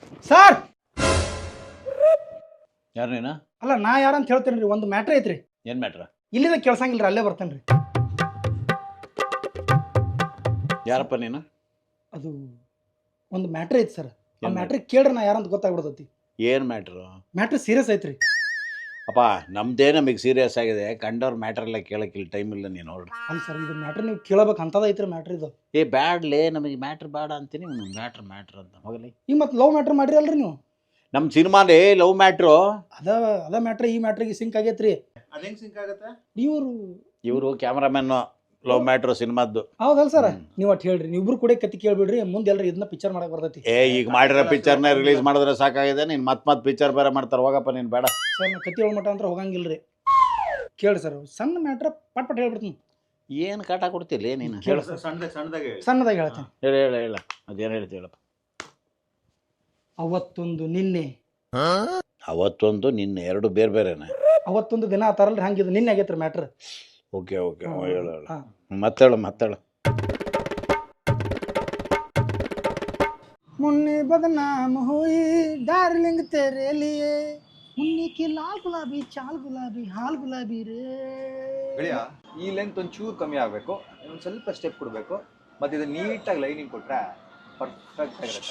Sir ಯಾರು ನೀನು? ಅಲ್ಲ ನಾ ಯಾರಂತ ಹೇಳ್ತೇನೆ ರೀ. ಒಂದು ಮ್ಯಾಟ್ರ್ ಐತ್ರಿ. ಏನು ಮ್ಯಾಟ್ರ? ಇಲ್ಲಿದ ಕೇಳ್ಸಂಗಿಲ್ರಿ, ಅಲ್ಲೇ ಬರ್ತೇನೆ ರೀ. ಯಾರಪ್ಪ ನೀನು? ಅದು ಒಂದು ಮ್ಯಾಟ್ರ್ ಐತಿ ಸರ್. ಆ ಮ್ಯಾಟ್ರ್ ಕೇಳ್ರಿ ನಾ ಯಾರಂತ ಗೊತ್ತಾಗ್ಬಿಡ್ತೈತಿ. ಏನು ಮ್ಯಾಟ್ರು? ಮ್ಯಾಟ್ರ್ ಸೀರಿಯಸ್ ಐತ್ರಿ. ಅಪ್ಪ ನಮ್ದೇ ನಮಗೆ ಸೀರಿಯಸ್ ಆಗಿದೆ. ಕಂಡವ್ರ ಮ್ಯಾಟ್ರೆಲ್ಲ ಕೇಳೋಕ್ಕಿಲ್ಲ, ಟೈಮ್ ಇಲ್ಲ. ನೀನು ಹೊರಡ್ರಿ. ಅಲ್ಲ ಸರ್, ಇದು ಮ್ಯಾಟ್ರ್ ನೀವು ಕೇಳಬೇಕು ಅಂತದ ಐತ್ರಿ ಮ್ಯಾಟ್ರ್ ಇದು. ಬ್ಯಾಡ್ಲೇ, ನಮಗೆ ಮ್ಯಾಟ್ರ್ ಬೇಡ ಅಂತೀನಿ. ಮ್ಯಾಟ್ರ್ ಅಂತ ಹೋಗಲಿ. ಈಗ ಮತ್ತೆ ಲವ್ ಮ್ಯಾಟ್ರ್ ಮಾಡ್ರಿ ಅಲ್ರಿ ನೀವು? ನಮ್ಮ ಸಿನಿಮಾಲೇ ಲವ್ ಮ್ಯಾಟ್ರು. ಅದ ಮ್ಯಾಟ್ರ್ ಈ ಮ್ಯಾಟ್ರಿಗೆ ಸಿಂಕ್ ಆಗೈತ್ರಿ. ಅದು ಹೆಂಗೆ ಸಿಂಕ್ ಆಗುತ್ತೆ? ಇವರು ಕ್ಯಾಮ್ರಾಮನ್ನು ಲವ್ ಮ್ಯಾಟ್ರು ಸಿನಿಮಾದ್ದು. ಹೌದಲ್ಲ ಸರ್, ನೀವು ಅಟ್ ಹೇಳ್ರಿ. ನೀವಿಬ್ರು ಕೂಡ ಕತ್ತಿ ಕೇಳ್ಬಿಡ್ರಿ, ಮುಂದೆ ಎಲ್ಲರೂ ಇದನ್ನ ಪಿಕ್ಚರ್ ಮಾಡಕ್ ಬರ್ತೈತಿ. ಈಗ ಮಾಡಿರೋ ಪಿಕ್ಚರ್ನ ರಿಲೀಸ್ ಮಾಡಿದ್ರೆ ಸಾಕಾಗಿದೆ. ನೀನು ಮತ್ತೆ ಪಿಕ್ಚರ್ ಬೇರೆ ಮಾಡ್ತಾರೆ. ಹೋಗಪ್ಪ ನೀನು, ಬೇಡ ಸರ್. ನಾ ಕತ್ತಿ ಮಟ್ಟ ಅಂತ ಹೋಗಂಗಿಲ್ರಿ. ಕೇಳ್ರಿ ಸರ್, ಸಣ್ಣ ಮ್ಯಾಟ್ರ್ ಪಟ್ ಹೇಳ್ಬಿಡ್ತೀನಿ. ಏನು ಕಾಟ ಕೊಡ್ತಿಲ್ಲ ನೀನು? ಹೇಳು ಸಣ್ಣದಾಗಿ ಹೇಳ್ತೇನೆ. ಹೇಳ ಅದೇನು ಹೇಳ್ತಿ ಹೇಳಪ್ಪ. ಅವತ್ತೊಂದು ನಿನ್ನೆ. ಅವತ್ತೊಂದು ನಿನ್ನೆ ಎರಡು ಬೇರೆ ಬೇರೆನೆ. ಅವತ್ತೊಂದು ದಿನ ಆ ಥರ ಹಂಗಿದ್ದು ನಿನ್ನೆ ಆಗೈತ್ರಿ ಮ್ಯಾಟ್ರ್. ಓಕೆ ಹೇಳು. ಮತ್ತೇಳು. मुन्नी बदनाम हुई डार्लिंग तेरे लिए, मुन्नी की लाल गुलाबी चाल गुलाबी हाल गुलाबी ರೇ. ಗೆಳೆಯ, ಈ ಲೆಂತ್ ಒಂಚೂರು ಕಮ್ಮಿ ಆಗಬೇಕು, ಇನ್ನೊಂದು ಸ್ವಲ್ಪ ಸ್ಟೆಪ್ ಕೊಡಬೇಕು, ಮತ್ತು ಇದು ನೀಟಾಗಿ ಲೈನಿಂಗ್ ಕೊಟ್ಟರೆ ಪರ್ಫೆಕ್ಟ್ ಆಗಿರುತ್ತೆ.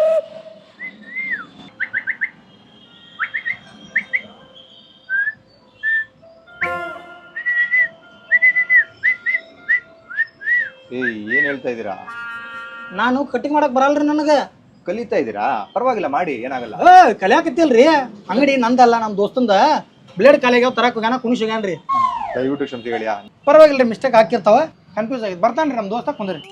ಏನು ಹೇಳ್ತಾ ಇದ್ದೀರಾ? ನಾನು ಕಟಿಂಗ್ ಮಾಡಕ್ ಬರಲ್ರಿ ನನಗೆ. ಕಲಿತಾ ಇದ್ದೀರಾ? ಪರವಾಗಿಲ್ಲ, ಮಾಡಿ, ಏನಾಗಲ್ಲ. ಕಲಿಯಾಕತ್ತಿಲ್ರಿ. ಅಂಗಡಿ ನಂದಲ್ಲ, ನಮ್ಮ ದೋಸ್ತಂದ. ಬ್ಲೇಡ್ ಕಾಲಿಗೆ ತರಕ್ ಹೋಗ್ಯಾನ, ಕುಣಿಸ್ಯಾನ್ರಿ. ದಯವಿಟ್ಟು ಕ್ಷಮಿಸಿ ಗೆಳೆಯ. ಪರವಾಗಿಲ್ರಿ, ಮಿಸ್ಟೇಕ್ ಹಾಕಿರ್ತಾವ, ಕನ್ಫ್ಯೂಸ್ ಆಗಿದ್. ಬರ್ತಾನ್ರಿ ನಮ್ಮ ದೋಸ್ತ, ಕುಂದ್ರಿ.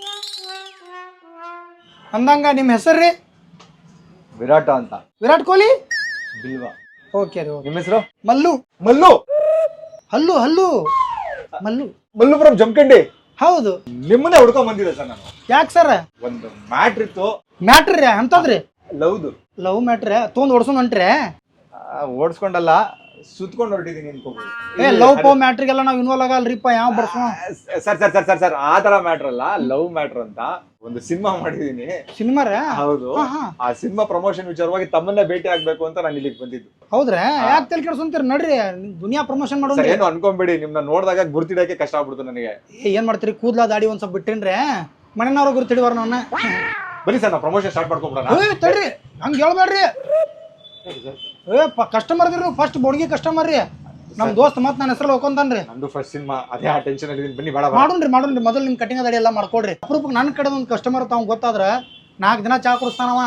ಅಂದಂಗ ನಿಮ್ಮ ಹೆಸರು ರೀ? ವಿರಾಟ ಅಂತ. ವಿರಾಟ್ ಕೊಹ್ಲಿ? ಬಿಲ್ವಾ. ಓಕೆ ರೀ. ನಿಮ್ಮ ಹೆಸರು? ಮಲ್ಲು. ಹಲ್ಲು ಮಲ್ಲು. ಮಲ್ಲುಪುರಂ ಜಮಖಂಡಿ. ಹೌದು. ನಿಮ್ಮನ್ನೇ ಹುಡ್ಕೊಂಡ್ ಬಂದಿದ್ದೆ ಸರ್ ನಾನು. ಯಾಕೆ ಸರ್? ಒಂದು ಮ್ಯಾಟ್ರ್ ಇತ್ತು. ಮ್ಯಾಟ್ರ್ ರೀ? ಅಂತದ್ರಿ? ಲವ್ ಮ್ಯಾಟ್ರ್ ತೊಗೊಂಡ್ ಓಡ್ಸೋನ್ ಹೊಂಟ್ರಿ? ಓಡಿಸ್ಕೊಂಡಲ್ಲ, ಸುತ್ಕೊಂಡು ಹೊರಟಿದ್ದೀನಿ ಅನ್ಕೋಬಹುದು. ಲವ್ ಪೋ ಮ್ಯಾಟ್ರಿಗೆಲ್ಲ ನಾವು ಇನ್ವಾಲ್ವ್ ಆಗಲ್ರಿಪ್ಪ. ಯಾವ ಬರ್ಸೋ ಸರ್ ಆ ತರ ಮ್ಯಾಟ್ರ್ ಅಲ್ಲ, ಲವ್ ಮ್ಯಾಟ್ರ್ ಅಂತ ಒಂದು ಸಿನಿಮಾ ಮಾಡಿದೀನಿ. ಸಿನಿಮಾ ರೀ? ಹೌದು. ಆ ಸಿನಿಮಾ ಪ್ರಮೋಷನ್ ವಿಚಾರವಾಗಿ ತಮ್ಮನ್ನೇ ಭೇಟಿ ಆಗ್ಬೇಕು ಅಂತ ನಾನು ಇಲ್ಲಿಗೆ ಬಂದಿದ್ದು. ಹೌದ್ರಾ? ಯಾಕೆ ತಲೆ ಕೆಡ್ಸೊಂತೀರಿ? ನಡ್ರಿ, ದುನಿಯಾ ಪ್ರಮೋಷನ್ ಮಾಡೋಣ. ಏನು ಅನ್ಕೊಂಬೇಡಿ, ನಿಮ್ನ ನೋಡಿದಾಗ ಗುರ್ತಿಡಕ್ಕೆ ಕಷ್ಟ ಆಗ್ಬಿಡ್ತು ನನಗೆ. ಏನ್ ಮಾಡ್ತೀರಿ? ಕೂದ್ಲಾ ದಾಡಿ ಒಂದ್ ಸ್ವಲ್ಪ ಬಿಟ್ಟಿನ್ರೆ ಮನೆಯವ್ರ ಗುರ್ತಿಡಿವಾರ ನನ್ನ. ಬನ್ನಿ ಸರ್, ನಾವು ಪ್ರಮೋಷನ್ ಸ್ಟಾರ್ಟ್ ಮಾಡ್ಕೊಂಡ್ಬಿಡೋಣ. ತಡ್ರಿ, ಹಂಗ ಹೇಳ್ಬೇಡ್ರಿ. ಕಸ್ಟಮರ್ ಇದ್ರಿ, ಫಸ್ಟ್ ಬೋಡ್ಗಿ ಕಸ್ಟಮರ್ ರೀ ನಮ್ ದೋಸ್ತ್. ಮತ್ ನನ್ನ ಹೆಸರು ಹೋಗ್ಕೊಂತಾನ್ರಿ. ನಂದು ಫಸ್ಟ್ ಸಿನಿಮಾ, ಅದೇ ಆ ಟೆನ್ಷನ್ ಅಲ್ಲಿ. ಬನ್ನಿ, ಬೇಡ ಮಾಡೋಣ್ರಿ. ಮೊದಲು ನಿಮ್ ಕಟಿಂಗ್ ದಾಡಿ ಎಲ್ಲ ಮಾಡ್ಕೊಡ್ರಿ. ಅಪರೂಪಕ್ಕೆ ನನ್ನ ಕಡೆ ಒಂದು ಕಸ್ಟಮರ್ ತಾವ್ ಗೊತ್ತಾದ್ರ 4 ದಿನ ಚಾ ಕುಡಿಸ್ತಾನವ.